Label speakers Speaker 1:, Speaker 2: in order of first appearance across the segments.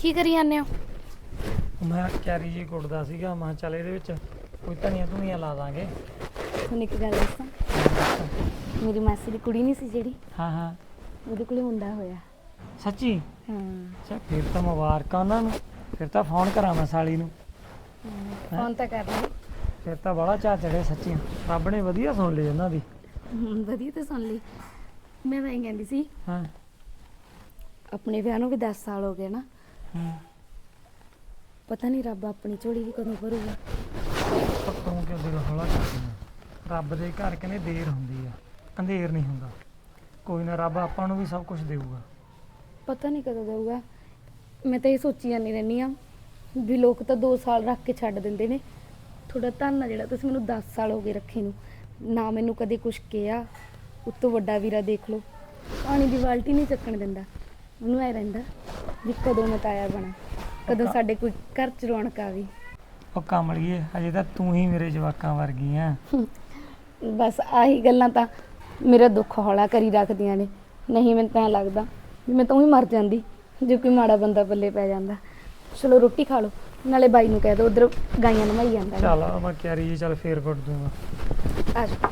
Speaker 1: ਕੀ ਕਰੀ ਜਾਂਦੇ ਹੋ?
Speaker 2: ਮੈਂ ਕੈਰੀ ਜੀ ਕੁੱਟਦਾ ਸੀਗਾ, ਮੈਂ ਚੱਲ ਇਹਦੇ ਵਿੱਚ ਕੋਈ ਧਨੀਆਂ ਲਾ ਦਾਂਗੇ।
Speaker 1: ਤੁਹਾਨੂੰ ਇੱਕ ਗੱਲ ਦੱਸਾਂ, ਮੇਰੀ ਮਾਸੀ ਦੀ ਕੁੜੀ ਨਹੀਂ ਸੀ ਜਿਹੜੀ,
Speaker 2: ਹਾਂ ਹਾਂ
Speaker 1: ਉਹਦੇ ਕੋਲੇ ਮੁੰਡਾ ਹੋਇਆ।
Speaker 2: ਸੱਚੀ?
Speaker 1: ਹਾਂ
Speaker 2: ਅੱਛਾ ਫਿਰ ਤਾਂ ਮੁਬਾਰਕਾਂ ਉਹਨਾਂ ਨੂੰ। ਫਿਰ ਤਾਂ ਫੋਨ ਕਰਾਂ ਮੈਂ ਸਾਲੀ ਨੂੰ।
Speaker 1: ਫੋਨ ਤਾਂ ਕਰ ਲਈ।
Speaker 2: ਫਿਰ ਤਾਂ ਬੜਾ ਚਾਅ ਚੜਿਆ ਸੱਚੀ। ਰੱਬ ਨੇ ਵਧੀਆ ਸੁਣ ਲਈ ਉਹਨਾਂ ਦੀ।
Speaker 1: ਵਧੀਆ ਤਾਂ ਸੁਣ ਲਈ। ਮੈਂ ਤਾਂ ਇਹ ਕਹਿੰਦੀ ਸੀ,
Speaker 2: ਹਾਂ
Speaker 1: ਆਪਣੇ ਵਿਆਹ ਨੂੰ ਵੀ 10 ਸਾਲ ਹੋ ਗਏ ਨਾ।
Speaker 2: ਹਾਂ
Speaker 1: ਪਤਾ ਨਹੀਂ ਰੱਬ ਆਪਣੀ ਝੋਲੀ ਵੀ ਕਦੋਂ ਭਰੂਗਾ।
Speaker 2: ਤੂੰ ਕਿਉਂ ਦਿਲ ਹੌਲਾ ਕਰਦੀ ਆ? ਰੱਬ ਦੇ ਘਰ ਕਹਿੰਦੇ ਦੇਰ ਹੁੰਦੀ ਆ, ਅੰਧੇਰ ਨਹੀਂ ਹੁੰਦਾ। ਕੋਈ ਨਾ, ਰੱਬ ਆਪਾਂ ਨੂੰ ਵੀ ਸਭ ਕੁਝ ਦੇਊਗਾ।
Speaker 1: ਪਤਾ ਨਹੀਂ ਕਦੋਂ ਦੇਊਗਾ। ਮੈਂ ਤਾਂ ਇਹ ਸੋਚੀ ਜਾਂਦੀ ਰਹਿੰਦੀ ਆ ਵੀ ਲੋਕ ਤਾਂ 2 ਸਾਲ ਰੱਖ ਕੇ ਛੱਡ ਦਿੰਦੇ ਨੇ। ਤੁਹਾਡਾ ਧੰਨ ਆ ਜਿਹੜਾ ਤੁਸੀਂ ਮੈਨੂੰ 10 ਸਾਲ ਹੋ ਗਏ ਰੱਖੇ ਨੂੰ। ਨਾ ਮੈਨੂੰ ਕਦੇ ਕੁਛ ਕਿਹਾ। ਉੱਤੋਂ ਵੱਡਾ ਵੀਰਾ ਦੇਖ ਲਓ, ਪਾਣੀ ਦੀ ਬਾਲਟੀ ਨਹੀਂ ਚੱਕਣ ਦਿੰਦਾ। ਉਹਨੂੰ ਐ ਰਹਿੰਦਾ ਵੀ ਕਦੋਂ ਮੈਂ ਤਾਇਆ ਬਣਾ, ਕਦੋਂ ਸਾਡੇ ਕੋਈ ਘਰ ਚ ਰੌਣਕ ਆਵੇ।
Speaker 2: ਉਹ ਕਮਲੀਏ, ਅਜੇ ਤਾਂ ਤੂੰ ਹੀ ਮੇਰੇ ਜਵਾਕਾਂ ਵਰਗੀ ਆ।
Speaker 1: ਬਸ ਆਹੀ ਗੱਲਾਂ ਤਾਂ ਮੇਰਾ ਦੁੱਖ ਹੌਲਾ ਕਰੀ ਰੱਖਦੀਆਂ ਨੇ। ਨਹੀਂ ਮੈਨੂੰ ਤਾਂ ਲੱਗਦਾ ਵੀ ਮੈਂ ਤਾਂ ਹੀ ਮਰ ਜਾਂਦੀ ਜੇ ਕੋਈ ਮਾੜਾ ਬੰਦਾ ਪੱਲੇ ਪੈ ਜਾਂਦਾ। ਚਲੋ ਰੋਟੀ ਖਾ ਲਓ, ਨਾਲੇ ਬਾਈ ਨੂੰ ਕਹਿ ਦਿਓ ਉਧਰ ਗਾਈਆਂ ਨਮਾਈ ਜਾਂਦਾ।
Speaker 2: ਚੱਲ ਮੈਂ ਕੈਰੀ ਜੀ ਚੱਲ ਫੇਰ ਕੁੱਟ ਦੂੰਗਾ।
Speaker 1: ਆ ਜਾਓ।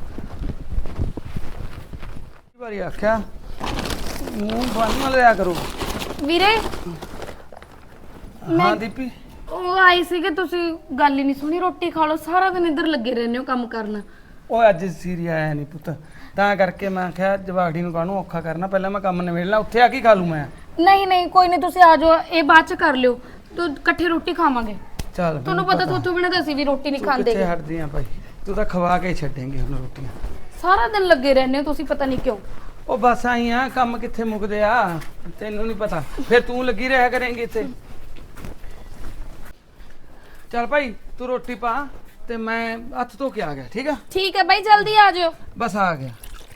Speaker 3: ਵਾਰੀ ਆਖਿਆ ਮੂੰਹ ਬੰਨ ਨਾ ਲਿਆ ਕਰੋ।
Speaker 1: ਵੀਰੇ
Speaker 3: ਹਾਂ ਦੀਪੀ,
Speaker 1: ਉਹ ਆਈ ਸੀਗੇ, ਤੁਸੀਂ ਗੱਲ ਹੀ ਨਹੀਂ ਸੁਣੀ। ਰੋਟੀ ਖਾ ਲਓ, ਸਾਰਾ ਦਿਨ ਇੱਧਰ ਲੱਗੇ ਰਹਿੰਦੇ ਹੋ ਕੰਮ ਕਰਨ।
Speaker 3: ਉਹ ਅੱਜ ਸੀਰੀ ਆਇਆ ਨਹੀਂ ਪੁੱਤ, ਤਾਂ ਕਰਕੇ ਮੈਂ ਆਖਿਆ ਜਵਾਗੜੀ ਨੂੰ ਕਾਹਨੂੰ ਔਖਾ ਕਰਨਾ, ਪਹਿਲਾਂ ਮੈਂ ਕੰਮ ਨਿਬੇੜ ਲਾਂ, ਉੱਥੇ ਆ ਕੇ ਖਾ ਲੂ ਮੈਂ।
Speaker 1: ਨਹੀਂ ਨਹੀਂ ਕੋਈ ਨਹੀਂ, ਤੁਸੀਂ ਆ ਜਾਓ, ਇਹ ਬਾਅਦ ਚ ਕਰ ਲਿਓ। ਤੂੰ ਇਕੱਠੇ ਰੋਟੀ ਖਾਵਾਂਗੇ।
Speaker 3: ਚੱਲ
Speaker 1: ਤੁਹਾਨੂੰ ਪਤਾ ਥੋਥੋਂ ਬਿਨਾਂ ਤਾਂ ਅਸੀਂ ਵੀ ਰੋਟੀ ਨਹੀਂ ਖਾਂਦੇ।
Speaker 3: ਕਿੱਥੇ ਹਟਦੀ ਆ ਭਾਈ, ਤੂੰ ਤਾਂ ਖਵਾ ਕੇ ਛੱਡੇਂਗੇ ਹੁਣ ਰੋਟੀਆਂ।
Speaker 1: ਸਾਰਾ ਦਿਨ ਲੱਗੇ ਰਹਿੰਦੇ ਹੋ ਤੁਸੀਂ, ਪਤਾ ਨਹੀਂ ਕਿਉਂ।
Speaker 3: ਉਹ ਬਸ ਆਈ ਆ, ਕੰਮ ਕਿੱਥੇ ਮੁੱਕਦੇ ਆ, ਤੈਨੂੰ ਨਹੀਂ ਪਤਾ। ਫਿਰ ਤੂੰ ਲੱਗੀ ਰਿਹਾ ਕਰੇਂਗੀ ਇੱਥੇ। ਚੱਲ ਭਾਈ ਤੂੰ ਰੋਟੀ ਪਾ ਤੇ ਮੈਂ ਹੱਥ ਧੋ ਕੇ ਆ ਗਿਆ, ਠੀਕ ਆ?
Speaker 1: ਠੀਕ ਹੈ ਬਾਈ, ਜਲਦੀ ਆ ਜਾਓ।
Speaker 3: ਬਸ ਆ ਗਿਆ।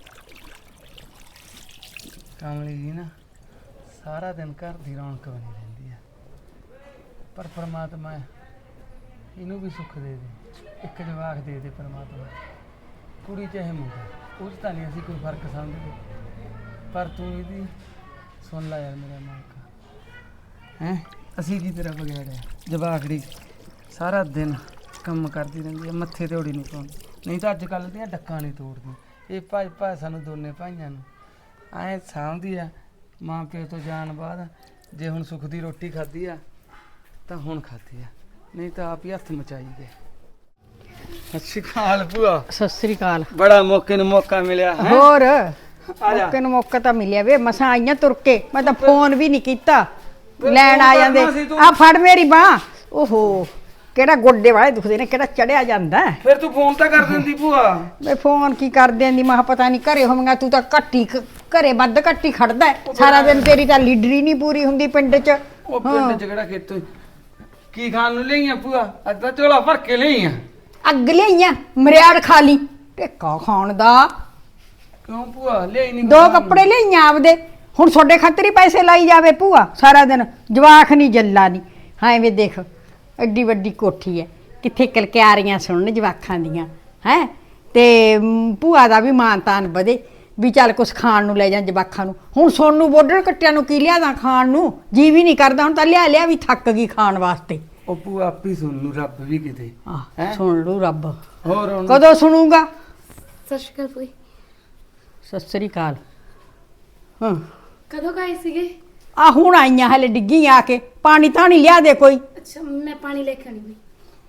Speaker 3: ਕਮਲੀ ਜੀ ਨਾ ਸਾਰਾ ਦਿਨ ਘਰ ਦੀ ਰੌਣਕ ਬਣੀ ਰਹਿੰਦੀ ਆ, ਪਰ ਪਰਮਾਤਮਾ ਇਹਨੂੰ ਵੀ ਸੁੱਖ ਦੇ ਦੇ, ਇੱਕ ਜਵਾਕ ਦੇ ਦੇ ਪਰਮਾਤਮਾ। ਕੁੜੀ ਚਾਹੇ ਮੁੰਡਾ, ਉਹ 'ਚ ਤਾਂ ਨਹੀਂ ਅਸੀਂ ਕੋਈ ਫਰਕ ਸਮਝਦੇ, ਪਰ ਤੂੰ ਇਹਦੀ ਸੁਣ ਲੈ ਯਾਰ ਮੇਰਾ ਮਾਲਕਾ। ਹੈਂ ਅਸੀਂ ਕੀ ਤੇਰਾ ਵਿਗਾੜਿਆ? ਜਵਾਕੜੀ ਸਾਰਾ ਦਿਨ ਕੰਮ ਕਰਦੀ ਰਹਿੰਦੀ ਹੈ, ਮੱਥੇ ਤੇ ਓੜੀ ਨਹੀਂ ਪਾਉਂਦੀ। ਨਹੀਂ ਤਾਂ ਅੱਜ ਕੱਲ੍ਹ ਦੀਆਂ ਡੱਕਾਂ ਨਹੀਂ ਤੋੜਦੀਆਂ। ਇਹ ਭਾਈ ਸਾਨੂੰ ਦੋਨੇ ਭਾਈਆਂ ਨੂੰ ਐਂ ਸਾਂਭਦੀ ਆ ਮਾਂ ਪਿਓ ਤੋਂ ਜਾਣ ਬਾਅਦ। ਜੇ ਹੁਣ ਸੁੱਖ ਦੀ ਰੋਟੀ ਖਾਧੀ ਆ ਤਾਂ ਹੁਣ ਖਾਧੀ ਆ, ਨਹੀਂ ਤਾਂ ਆਪ ਹੀ ਹੱਥ ਮਚਾਈ ਗਏ। ਸਤਿ ਸ਼੍ਰੀ ਅਕਾਲ ਭੂਆ।
Speaker 4: ਸਤਿ ਸ੍ਰੀ ਅਕਾਲ।
Speaker 3: ਬੜਾ ਮੌਕੇ ਨੂੰ ਮੌਕਾ ਮਿਲਿਆ ਹੈਂ?
Speaker 4: ਹੋਰ
Speaker 3: ਆ ਜਾ।
Speaker 4: ਮੌਕੇ ਨੂੰ ਮੌਕਾ ਤਾਂ ਮਿਲਿਆ ਵੇ, ਮਸਾਂ ਆਈਆਂ ਤੁਰ ਕੇ। ਮੈਂ ਤਾਂ ਫੋਨ ਵੀ ਨਹੀਂ ਕੀਤਾ, ਲੈਣ ਆ ਜਾਂਦੇ। ਆ ਫੜ ਮੇਰੀ ਬਾਂਹ। ਓਹੋ ਕਿਹੜਾ ਗੋਡੇ ਵਾਲੇ ਦੁਖਦੇ ਨੇ, ਕਿਹੜਾ ਚੜਿਆ ਜਾਂਦਾ।
Speaker 3: ਫਿਰ ਤੂੰ ਫੋਨ ਤਾਂ ਕਰ ਦਿੰਦੀ ਭੂਆ।
Speaker 4: ਮੈਂ ਫੋਨ ਕੀ ਕਰ ਦਿੰਦੀ, ਮੈਂ ਕਿਹਾ ਪਤਾ ਨਹੀਂ ਘਰੇ ਹੋਵਾਂਗਾ। ਤੂੰ ਤਾਂ ਘੱਟੀ ਘਰੇ ਵੱਧ ਘੱਟੀ ਖੜਦਾ ਹੈ। ਸਾਰਾ ਦਿਨ ਤੇਰੀ ਤਾਂ ਲੀਡਰੀ ਨਹੀਂ ਪੂਰੀ ਹੁੰਦੀ ਪਿੰਡ 'ਚ।
Speaker 3: ਉਹ ਪਿੰਡ 'ਚ ਕਿਹੜਾ ਖੇਤੋਂ ਕੀ ਖਾਣ ਨੂੰ ਲਈਆਂ ਭੂਆ? ਅੱਜ ਤਾਂ ਝੋਲਾ ਭਰ ਕੇ ਲਈਆਂ।
Speaker 4: ਅੱਗ ਲਿਆਈਆਂ, ਮਰਿਆੜ ਖਾ ਲਈ, ਟੇਕਾ ਖਾਣ ਦਾ।
Speaker 3: ਕਿਉਂ ਭੂਆ ਲਿਆਈ ਨਹੀਂ?
Speaker 4: 2 ਕੱਪੜੇ ਲਿਆਈਆਂ ਆਪਦੇ। ਹੁਣ ਤੁਹਾਡੇ ਖਾਤਰ ਹੀ ਪੈਸੇ ਲਾਈ ਜਾਵੇ ਭੂਆ ਸਾਰਾ ਦਿਨ। ਜਵਾਖ ਨਹੀਂ ਜੱਲਾ ਨਹੀਂ। ਹਾਂ ਵੇ ਦੇਖ, ਐਡੀ ਵੱਡੀ ਕੋਠੀ ਹੈ, ਕਿੱਥੇ ਕਲਕਿਆਰੀਆਂ ਸੁਣਨ ਜਵਾਖਾਂ ਦੀਆਂ ਹੈ। ਤੇ ਭੂਆ ਦਾ ਵੀ ਮਾਨ ਤਾਨ ਵਧੇ ਵੀ ਚੱਲ ਕੁਛ ਖਾਣ ਨੂੰ ਲੈ ਜਾਂ ਜਵਾਖਾਂ ਨੂੰ। ਹੁਣ ਸੋਨੂੰ ਬੋਡਰ ਕੱਟਿਆਂ ਨੂੰ ਕੀ ਲਿਆਦਾ ਖਾਣ ਨੂੰ? ਜੀ ਵੀ ਨਹੀਂ ਕਰਦਾ। ਹੁਣ ਤਾਂ ਲਿਆ ਵੀ ਥੱਕ ਗਈ ਖਾਣ ਵਾਸਤੇ।
Speaker 3: ਉਹ ਭੂਆ ਆਪੀ ਸੁਣ ਲੂ, ਰੱਬ ਵੀ ਕਿਤੇ ਹੈਂ?
Speaker 4: ਸੁਣ ਲੂ ਰੱਬ।
Speaker 3: ਹੋਰ ਹੁਣ
Speaker 4: ਕਦੋਂ ਸੁਣੂਗਾ?
Speaker 1: ਸਤਿ ਸ਼੍ਰੀ ਅਕਾਲ ਭਾਈ।
Speaker 4: ਸਤਿ ਸ੍ਰੀ ਅਕਾਲ। ਹਾਂ
Speaker 1: ਕਦੋਂ ਗਏ ਸੀਗੇ?
Speaker 4: ਆ ਹੁਣ ਆਈਆਂ, ਹਲੇ ਡਿੱਗੀ ਆ ਕੇ। ਪਾਣੀ ਤਾਂ ਨਹੀਂ ਲਿਆ ਦੇ ਕੋਈ।
Speaker 1: ਅੱਛਾ ਮੈਂ ਪਾਣੀ ਲੈ ਕੇ ਆਣੀ ਬਈ।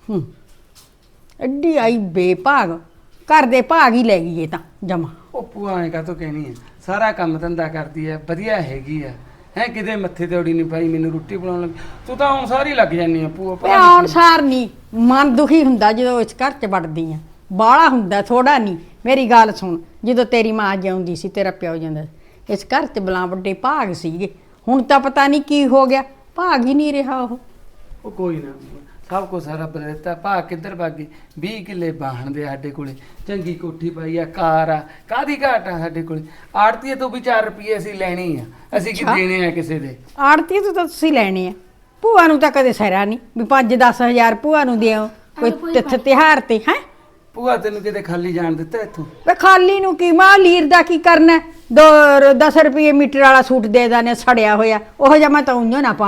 Speaker 4: ਐਡੀ ਆਈ ਬੇਭਾਗ, ਘਰ ਦੇ ਭਾਗ ਹੀ ਲੈ ਗਈ ਇਹ ਤਾਂ ਜਮਾ।
Speaker 3: ਉਹ ਭੂਆ ਐਂ ਕਾਹਤੋਂ ਕਹਿਣੀ ਹੈ? ਸਾਰਾ ਕੰਮ ਧੰਦਾ ਕਰਦੀ ਹੈ, ਵਧੀਆ ਹੈਗੀ ਆ ਹੈ। ਕਿਤੇ ਮੱਥੇ ਤੇ ਓੜੀ ਨਹੀਂ ਪਾਈ ਮੈਨੂੰ ਰੋਟੀ ਬਣਾਉਣ ਲੱਗੀ। ਤੂੰ ਤਾਂ ਹੁਣ ਸਾਰੀ ਲੱਗ ਜਾਂਦੀ ਆ ਭੂਆ।
Speaker 4: ਮੈਂ ਆਉਣ ਸਾਰ ਨਹੀਂ ਮਨ ਦੁਖੀ ਹੁੰਦਾ ਜਦੋਂ ਇਸ ਘਰ 'ਚ ਵੜਦੀ ਆ। ਬਾਹਲਾ ਹੁੰਦਾ, ਥੋੜਾ ਨਹੀਂ। ਮੇਰੀ ਗੱਲ ਸੁਣ, ਜਦੋਂ ਤੇਰੀ ਮਾਂ ਜਿਉਂਦੀ ਸੀ, ਤੇਰਾ ਪਿਓ ਜਾਂਦਾ, ਇਸ ਘਰ 'ਚ ਬਲਾਂ ਵੱਡੇ ਭਾਗ ਸੀਗੇ। ਹੁਣ ਤਾਂ ਪਤਾ ਨਹੀਂ ਕੀ ਹੋ ਗਿਆ, ਭਾਗ ਹੀ ਨਹੀਂ ਰਿਹਾ ਉਹ।
Speaker 3: ਕੋਈ ਨਾ, ਸਭ ਕੁਛ ਰੱਬ ਨੇ ਦਿੱਤਾ। ਭਾ ਕਿੱਧਰ ਭਾਗੀ? 20 ਕਿੱਲੇ ਬਾਹਣ ਦੇ ਸਾਡੇ ਕੋਲੇ, ਚੰਗੀ ਕੋਠੀ ਪਾਈ ਆ, ਕਾਰ ਆ, ਕਾਹਦੀ ਘਾਟ ਆ ਸਾਡੇ ਕੋਲੇ। ਆੜਤੀਏ ਤੋਂ ਵੀ 4 ਰੁਪਏ ਅਸੀਂ ਲੈਣੀ ਆ, ਅਸੀਂ ਕੀ ਦੇਣੇ ਆ ਕਿਸੇ ਦੇ?
Speaker 4: ਆੜਤੀ ਤੋਂ ਤਾਂ ਤੁਸੀਂ ਲੈਣੇ ਆ। ਭੂਆ ਨੂੰ ਤਾਂ ਕਦੇ ਸਹਿਰਾ ਨਹੀਂ ਵੀ 5-10 ਹਜ਼ਾਰ ਭੂਆ ਨੂੰ ਦਿਓ ਕੋਈ ਤਿਉਹਾਰ ਤੇ ਹੈ।
Speaker 3: ਭੂਆ ਤੈਨੂੰ ਕਿਤੇ ਖਾਲੀ ਜਾਣ ਦਿੱਤਾ ਇੱਥੋਂ?
Speaker 4: ਵੇ ਖਾਲੀ ਨੂੰ ਕੀ, ਮਾਂ ਲੀਰ ਦਾ ਕੀ ਕਰਨਾ? 10 ਰੁਪਏ ਮੀਟਰ ਵਾਲਾ ਸੂਟ ਦੇ ਦਾਨੇ ਸੜਿਆ ਹੋਇਆ, ਉਹ ਜਿਹਾ ਮੈਂ ਤਾਂ ਉਂਝ ਨਾ ਪਾਵਾਂ।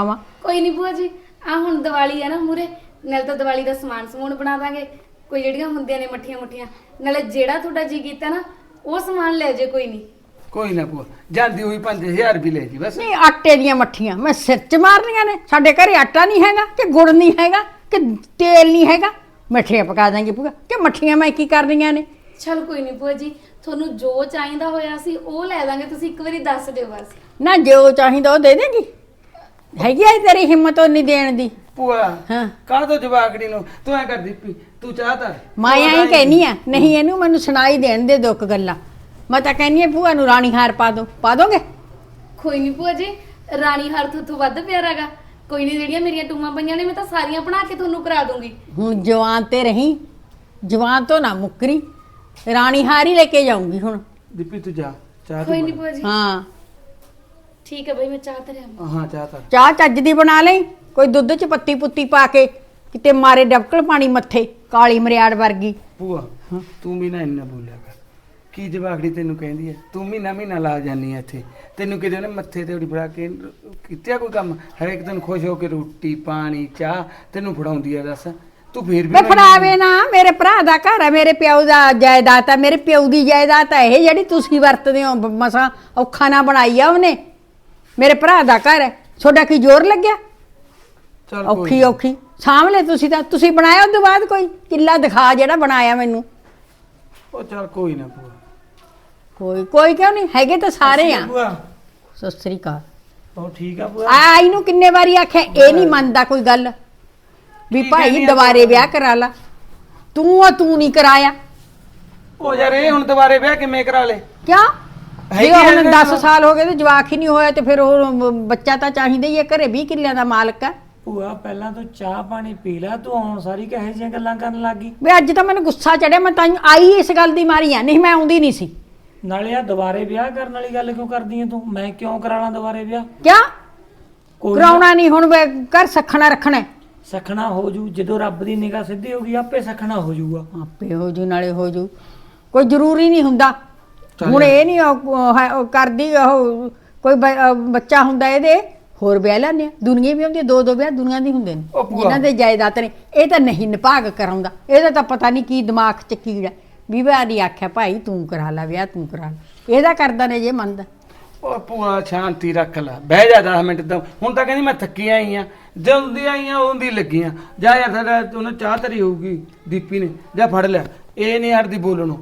Speaker 1: ਕੋਈ ਨਹੀਂ ਭੂਆ ਜੀ, ਆ ਹੁਣ ਦੀਵਾਲੀ ਆ ਨਾ ਮੂਰੇ, ਨਾਲ ਤਾਂ ਦੀਵਾਲੀ ਦਾ ਸਮਾਨ ਸਮੂਨ ਬਣਾ ਦਾਂਗੇ, ਕੋਈ ਜਿਹੜੀਆਂ ਹੁੰਦੀਆਂ ਨੇ ਮੱਠੀਆਂ ਮੁੱਠੀਆਂ, ਨਾਲੇ ਜਿਹੜਾ ਤੁਹਾਡਾ ਜੀ ਕੀਤਾ ਨਾ ਉਹ ਸਮਾਨ ਲੈ ਜੇ, ਕੋਈ ਨਹੀਂ।
Speaker 3: ਕੋਈ ਨਾ ਭੂਆ, ਜਾਂਦੀ ਹੋਈ 5000 ਵੀ ਲੈ ਜੀ ਬਸ।
Speaker 4: ਨਹੀਂ ਆਟੇ ਦੀਆਂ ਮੱਠੀਆਂ ਮੈਂ ਸਿਰ 'ਚ ਮਾਰਨੀਆਂ ਨੇ? ਸਾਡੇ ਘਰੇ ਆਟਾ ਨਹੀਂ ਹੈਗਾ ਕਿ ਗੁੜ ਨਹੀਂ ਹੈਗਾ ਕਿ ਤੇਲ ਨਹੀਂ ਹੈਗਾ? ਮੱਠੀਆਂ ਪਕਾ ਦਾਂਗੇ ਭੂਆ, ਕਿ ਮੱਠੀਆਂ ਮੈਂ ਕੀ ਕਰਨੀਆਂ ਨੇ?
Speaker 1: ਚਲ ਕੋਈ ਨਹੀਂ ਭੂਆ ਜੀ, ਤੁਹਾਨੂੰ ਜੋ ਚਾਹੀਦਾ ਹੋਇਆ ਸੀ ਉਹ ਲੈ ਦਾਂਗੇ, ਤੁਸੀਂ ਇੱਕ ਵਾਰੀ ਦੱਸ ਦਿਓ ਬਸ।
Speaker 4: ਨਾ ਜੋ ਚਾਹੀਦਾ ਉਹ ਦੇ ਦੇਗੀ, ਹੈਗੀ ਆ ਤੇਰੀ ਹਿੰਮਤ ਉਹ ਨਹੀਂ ਦੇਣ ਦੀ?
Speaker 3: ਭੂਆ
Speaker 4: ਹਾਂ
Speaker 3: ਕਾਹ ਤੋਂ ਜਵਾਕੜੀ ਨੂੰ ਤੂੰ ਐ ਕਰਦੀ ਤੂੰ ਚਾਹਤਾ
Speaker 4: ਮੈਂ ਐਂ ਕਹਿਨੀ ਆ, ਨਹੀਂ ਇਹਨੂੰ ਮੈਨੂੰ ਸੁਣਾਈ ਦੇਣ ਦੇ ਦੁੱਖ ਗੱਲਾਂ। ਮੈਂ ਤਾਂ ਕਹਿੰਨੀ ਆ ਭੂਆ ਨੂੰ ਰਾਣੀ ਹਾਰ ਪਾ ਦੋ, ਪਾ ਦੋਗੇ?
Speaker 1: ਕੋਈ ਨਹੀਂ ਭੂਆ ਜੀ, ਰਾਣੀ ਹਾਰ ਤੋਂ ਵੱਧ ਪਿਆਰਾਗਾ, ਕੋਈ ਨਹੀਂ, ਜਿਹੜੀਆਂ ਮੇਰੀਆਂ ਟੂਮਾਂ ਪਈਆਂ ਨੇ ਮੈਂ ਤਾਂ ਸਾਰੀਆਂ ਬਣਾ ਕੇ ਤੁਹਾਨੂੰ ਕਰਾ ਦੂੰਗੀ।
Speaker 4: ਹੁਣ ਜਵਾਨ ਤੇ ਰਹੀ, ਜਵਾਨ ਤੋਂ ਨਾ ਮੁੱਕਰੀ, ਰਾਣੀ ਹਾਰ ਹੀ ਲੈ ਕੇ ਜਾਊਂਗੀ ਹੁਣ।
Speaker 3: ਦੀਪੀ ਤੂੰ ਜਾ ਚਾਹ
Speaker 1: ਕੋਈ
Speaker 3: ਤੂੰ
Speaker 1: ਨਹੀਂ ਭੂਆ ਜੀ,
Speaker 4: ਹਾਂ
Speaker 1: ਠੀਕ ਹੈ ਬਈ, ਮੈਂ ਚਾਹ ਧਰਿਆ।
Speaker 3: ਹਾਂ ਚਾਹ ਤਾਂ
Speaker 4: ਚਾਹ ਚੱਜ ਦੀ ਬਣਾ ਲਈ, ਕੋਈ ਦੁੱਧ 'ਚ ਪੱਤੀ ਪੁੱਤੀ ਪਾ ਕੇ, ਕਿਤੇ ਮਾਰੇ ਡਬਕਲ ਪਾਣੀ ਮੱਥੇ, ਕਾਲੀ ਮਰਿਆੜ ਵਰਗੀ।
Speaker 3: ਭੂਆ ਤੂੰ ਵੀ ਨਾ ਇੰਨਾ ਬੋਲਿਆ ਕਰ, ਕੀ ਜਵਾਕੜੀ ਤੈਨੂੰ ਕਹਿੰਦੀ ਐ? ਤੂੰ ਮਹੀਨਾ ਲਾ ਜਾਨੀ ਐ ਇੱਥੇ, ਤੈਨੂੰ ਕਿਤੇ ਉਹਨੇ ਮੱਥੇ ਤੇ ਉੜੀ ਫੜਾ ਕੇ ਕੀਤਾ ਕੋਈ ਕੰਮ? ਹਰੇਕ ਦਿਨ ਖੁਸ਼ ਹੋ ਕੇ ਰੋਟੀ ਪਾਣੀ ਚਾਹ ਤੈਨੂੰ ਫੜਾਉਂਦੀ ਐ, ਦੱਸ ਤੂੰ ਫੇਰ ਵੀ
Speaker 4: ਵੇ ਫੜਾਵੇ ਨਾ, ਮੇਰੇ ਭਰਾ ਦਾ ਘਰ ਹੈ, ਮੇਰੇ ਪਿਓ ਦਾ ਜਾਇਦਾਦ ਹੈ, ਮੇਰੇ ਪਿਓ ਦੀ ਜਾਇਦਾਦ ਹੈ ਇਹ ਜਿਹੜੀ ਤੁਸੀਂ ਵਰਤਦੇ ਹੋ। ਮਸਾਂ ਔਖਾ ਨਾ ਬਣਾਈ ਆ ਉਹਨੇ, ਮੇਰੇ ਭਰਾ ਦਾ ਘਰ ਹੈ, ਤੁਹਾਡਾ ਕੀ ਜ਼ੋਰ ਲੱਗਿਆ?
Speaker 3: ਚੱਲ
Speaker 4: ਔਖੀ ਔਖੀ ਸਾਂਭ ਲੈ ਤੁਸੀਂ ਤਾਂ, ਤੁਸੀਂ ਬਣਾਇਆ ਉਸ ਤੋਂ ਬਾਅਦ ਕੋਈ ਕਿੱਲਾ ਦਿਖਾ ਜਿਹੜਾ ਬਣਾਇਆ ਮੈਨੂੰ।
Speaker 3: ਉਹ ਚੱਲ ਕੋਈ ਨਾ ਭੂਆ।
Speaker 4: ਕੋਈ ਕੋਈ ਕਿਉਂ ਨਹੀਂ, ਹੈਗੇ ਤਾਂ ਸਾਰੇ ਆ।
Speaker 2: ਭੂਆ
Speaker 4: ਸਤਿ ਸ੍ਰੀ ਅਕਾਲ।
Speaker 2: ਉਹ ਠੀਕ ਆ ਭੂਆ?
Speaker 4: ਆ ਇਹਨੂੰ ਕਿੰਨੇ ਵਾਰੀ ਆਖਿਆ, ਇਹ ਨਹੀਂ ਮੰਨਦਾ ਕੋਈ ਗੱਲ ਵੀ
Speaker 3: ਕੀ
Speaker 4: ਭਾਈ
Speaker 3: ਕਹਿੰਦੀ ਆ
Speaker 4: ਦੁਬਾਰੇ
Speaker 3: ਤੂੰ?
Speaker 4: ਵਿਆਹ ਕਰਾ ਲਾ। ਤੂੰ ਨਹੀਂ ਕਰਾਇਆ
Speaker 3: ਉਹ ਯਾਰ ਇਹ ਹੁਣ ਦੁਬਾਰੇ ਵਿਆਹ ਕਿਵੇਂ ਕਰਾ ਲੇ?
Speaker 4: ਕਿਉਂ?
Speaker 3: ਹੈਗੀ
Speaker 4: ਜੇ
Speaker 3: ਆ
Speaker 4: ਹੁਣ
Speaker 3: ਇਹਦੇ
Speaker 4: 10
Speaker 3: ਨਾਲ।
Speaker 4: ਸਾਲ ਹੋ ਗਏ ਤੇ ਜਵਾਕ ਹੀ ਨਹੀਂ ਹੋਇਆ ਤੇ ਫਿਰ ਉਹ ਬੱਚਾ ਤਾਂ ਚਾਹੀਦਾ ਹੀ ਹੈ, ਘਰੇ 20 ਕਿੱਲਿਆਂ ਦਾ ਮਾਲਕ ਹੈ।
Speaker 2: ਭੂਆ ਪਹਿਲਾਂ ਤੂੰ ਚਾਹ ਪਾਣੀ ਪੀ ਲੈ, ਤੂੰ ਹੁਣ ਸਾਰੀ ਕਹੇ ਜਿਹੀਆਂ ਗੱਲਾਂ ਕਰਨ ਲੱਗੀ।
Speaker 4: ਵੇ ਅੱਜ ਤਾਂ ਮੈਨੂੰ ਗੁੱਸਾ ਚੜਿਆ, ਮੈਂ ਤਾਂ ਆਈ ਇਸ ਗੱਲ ਦੀ ਮਾਰੀ ਆ, ਨਹੀਂ ਮੈਂ ਆਉਂਦੀ ਨਹੀਂ ਸੀ।
Speaker 2: ਨਾਲੇ ਆ ਦੁਬਾਰੇ ਵਿਆਹ ਕਰਨ ਵਾਲੀ ਗੱਲ ਕਿਉਂ ਕਰਦੀ ਐ ਤੂੰ? ਮੈਂ ਕਿਉਂ ਕਰਾ ਲਾਂ ਦੁਬਾਰੇ ਵਿਆਹ?
Speaker 4: ਕਿਆ
Speaker 2: ਕੋਈ ਨਾ,
Speaker 4: ਕਰਾਉਣਾ ਨਹੀਂ ਹੁਣ, ਵੇ ਘਰ ਸਖਣਾ ਰੱਖਣਾ ਹੈ।
Speaker 2: ਸਖਣਾ ਹੋ ਜੂ, ਜਦੋਂ ਰੱਬ ਦੀ ਨਿਗਾਹ ਸਿੱਧੀ ਹੋਗੀ ਆਪੇ ਸਖਣਾ ਹੋ ਜਾਊਗਾ।
Speaker 4: ਆਪੇ ਹੋ ਜੂ ਨਾਲੇ ਹੋ ਜੂ, ਕੋਈ ਜ਼ਰੂਰੀ ਨਹੀਂ ਹੁੰਦਾ।
Speaker 3: ਚੱਲ
Speaker 4: ਹੁਣ
Speaker 3: ਯਾਰ।
Speaker 4: ਇਹ ਨਹੀਂ ਉਹ ਕਰਦੀ ਉਹ ਕੋਈ ਬੱਚਾ ਹੁੰਦਾ ਇਹਦੇ ਹੋਰ ਵਿਆਹ ਲੈਂਦੇ ਆ, ਦੁਨੀਆ ਵੀ ਹੁੰਦੀ, ਦੋ ਵਿਆਹ ਦੁਨੀਆ ਦੀ ਹੁੰਦੇ ਨੇ
Speaker 3: ਉਹ ਭੂਆ।
Speaker 4: ਜਿਨ੍ਹਾਂ ਦੇ ਜਾਇਦਾਦ ਨੇ। ਇਹ ਤਾਂ ਨਹੀਂ ਨਿਭਾਗ ਕਰਾਉਂਦਾ, ਇਹਦਾ ਤਾਂ ਪਤਾ ਨਹੀਂ ਕੀ ਦਿਮਾਗ 'ਚ ਕੀੜਾ। ਵਿਵਾਹ ਦੀ ਆਖਿਆ ਭਾਈ ਤੂੰ ਕਰਾ ਲੈ ਵਿਆਹ, ਤੂੰ ਕਰਾ ਲੈ, ਇਹਦਾ ਕਰਦਾ ਨੇ ਜੇ ਮੰਨਦਾ।
Speaker 3: ਉਹ ਭੂਆ ਸ਼ਾਂਤੀ ਰੱਖ ਲੈ, ਬਹਿ ਜਾ 10 ਮਿੰਟ ਤਾਂ। ਹੁਣ ਤਾਂ ਕਹਿੰਦੀ ਮੈਂ ਥੱਕੀ ਆਈ ਆ, ਜਦੋਂ ਦੀ ਆਈਆਂ ਉਹਦੀ ਲੱਗੀਆਂ। ਜਾ ਯਾਰ ਸਾਡਾ ਉਹਨੇ ਚਾਹ ਧਰੀ ਹੋਊਗੀ ਦੀਪੀ ਨੇ, ਜਾ ਫੜ ਲਿਆ। ਇਹ ਨਹੀਂ ਹਟਦੀ ਬੋਲਣੋਂ।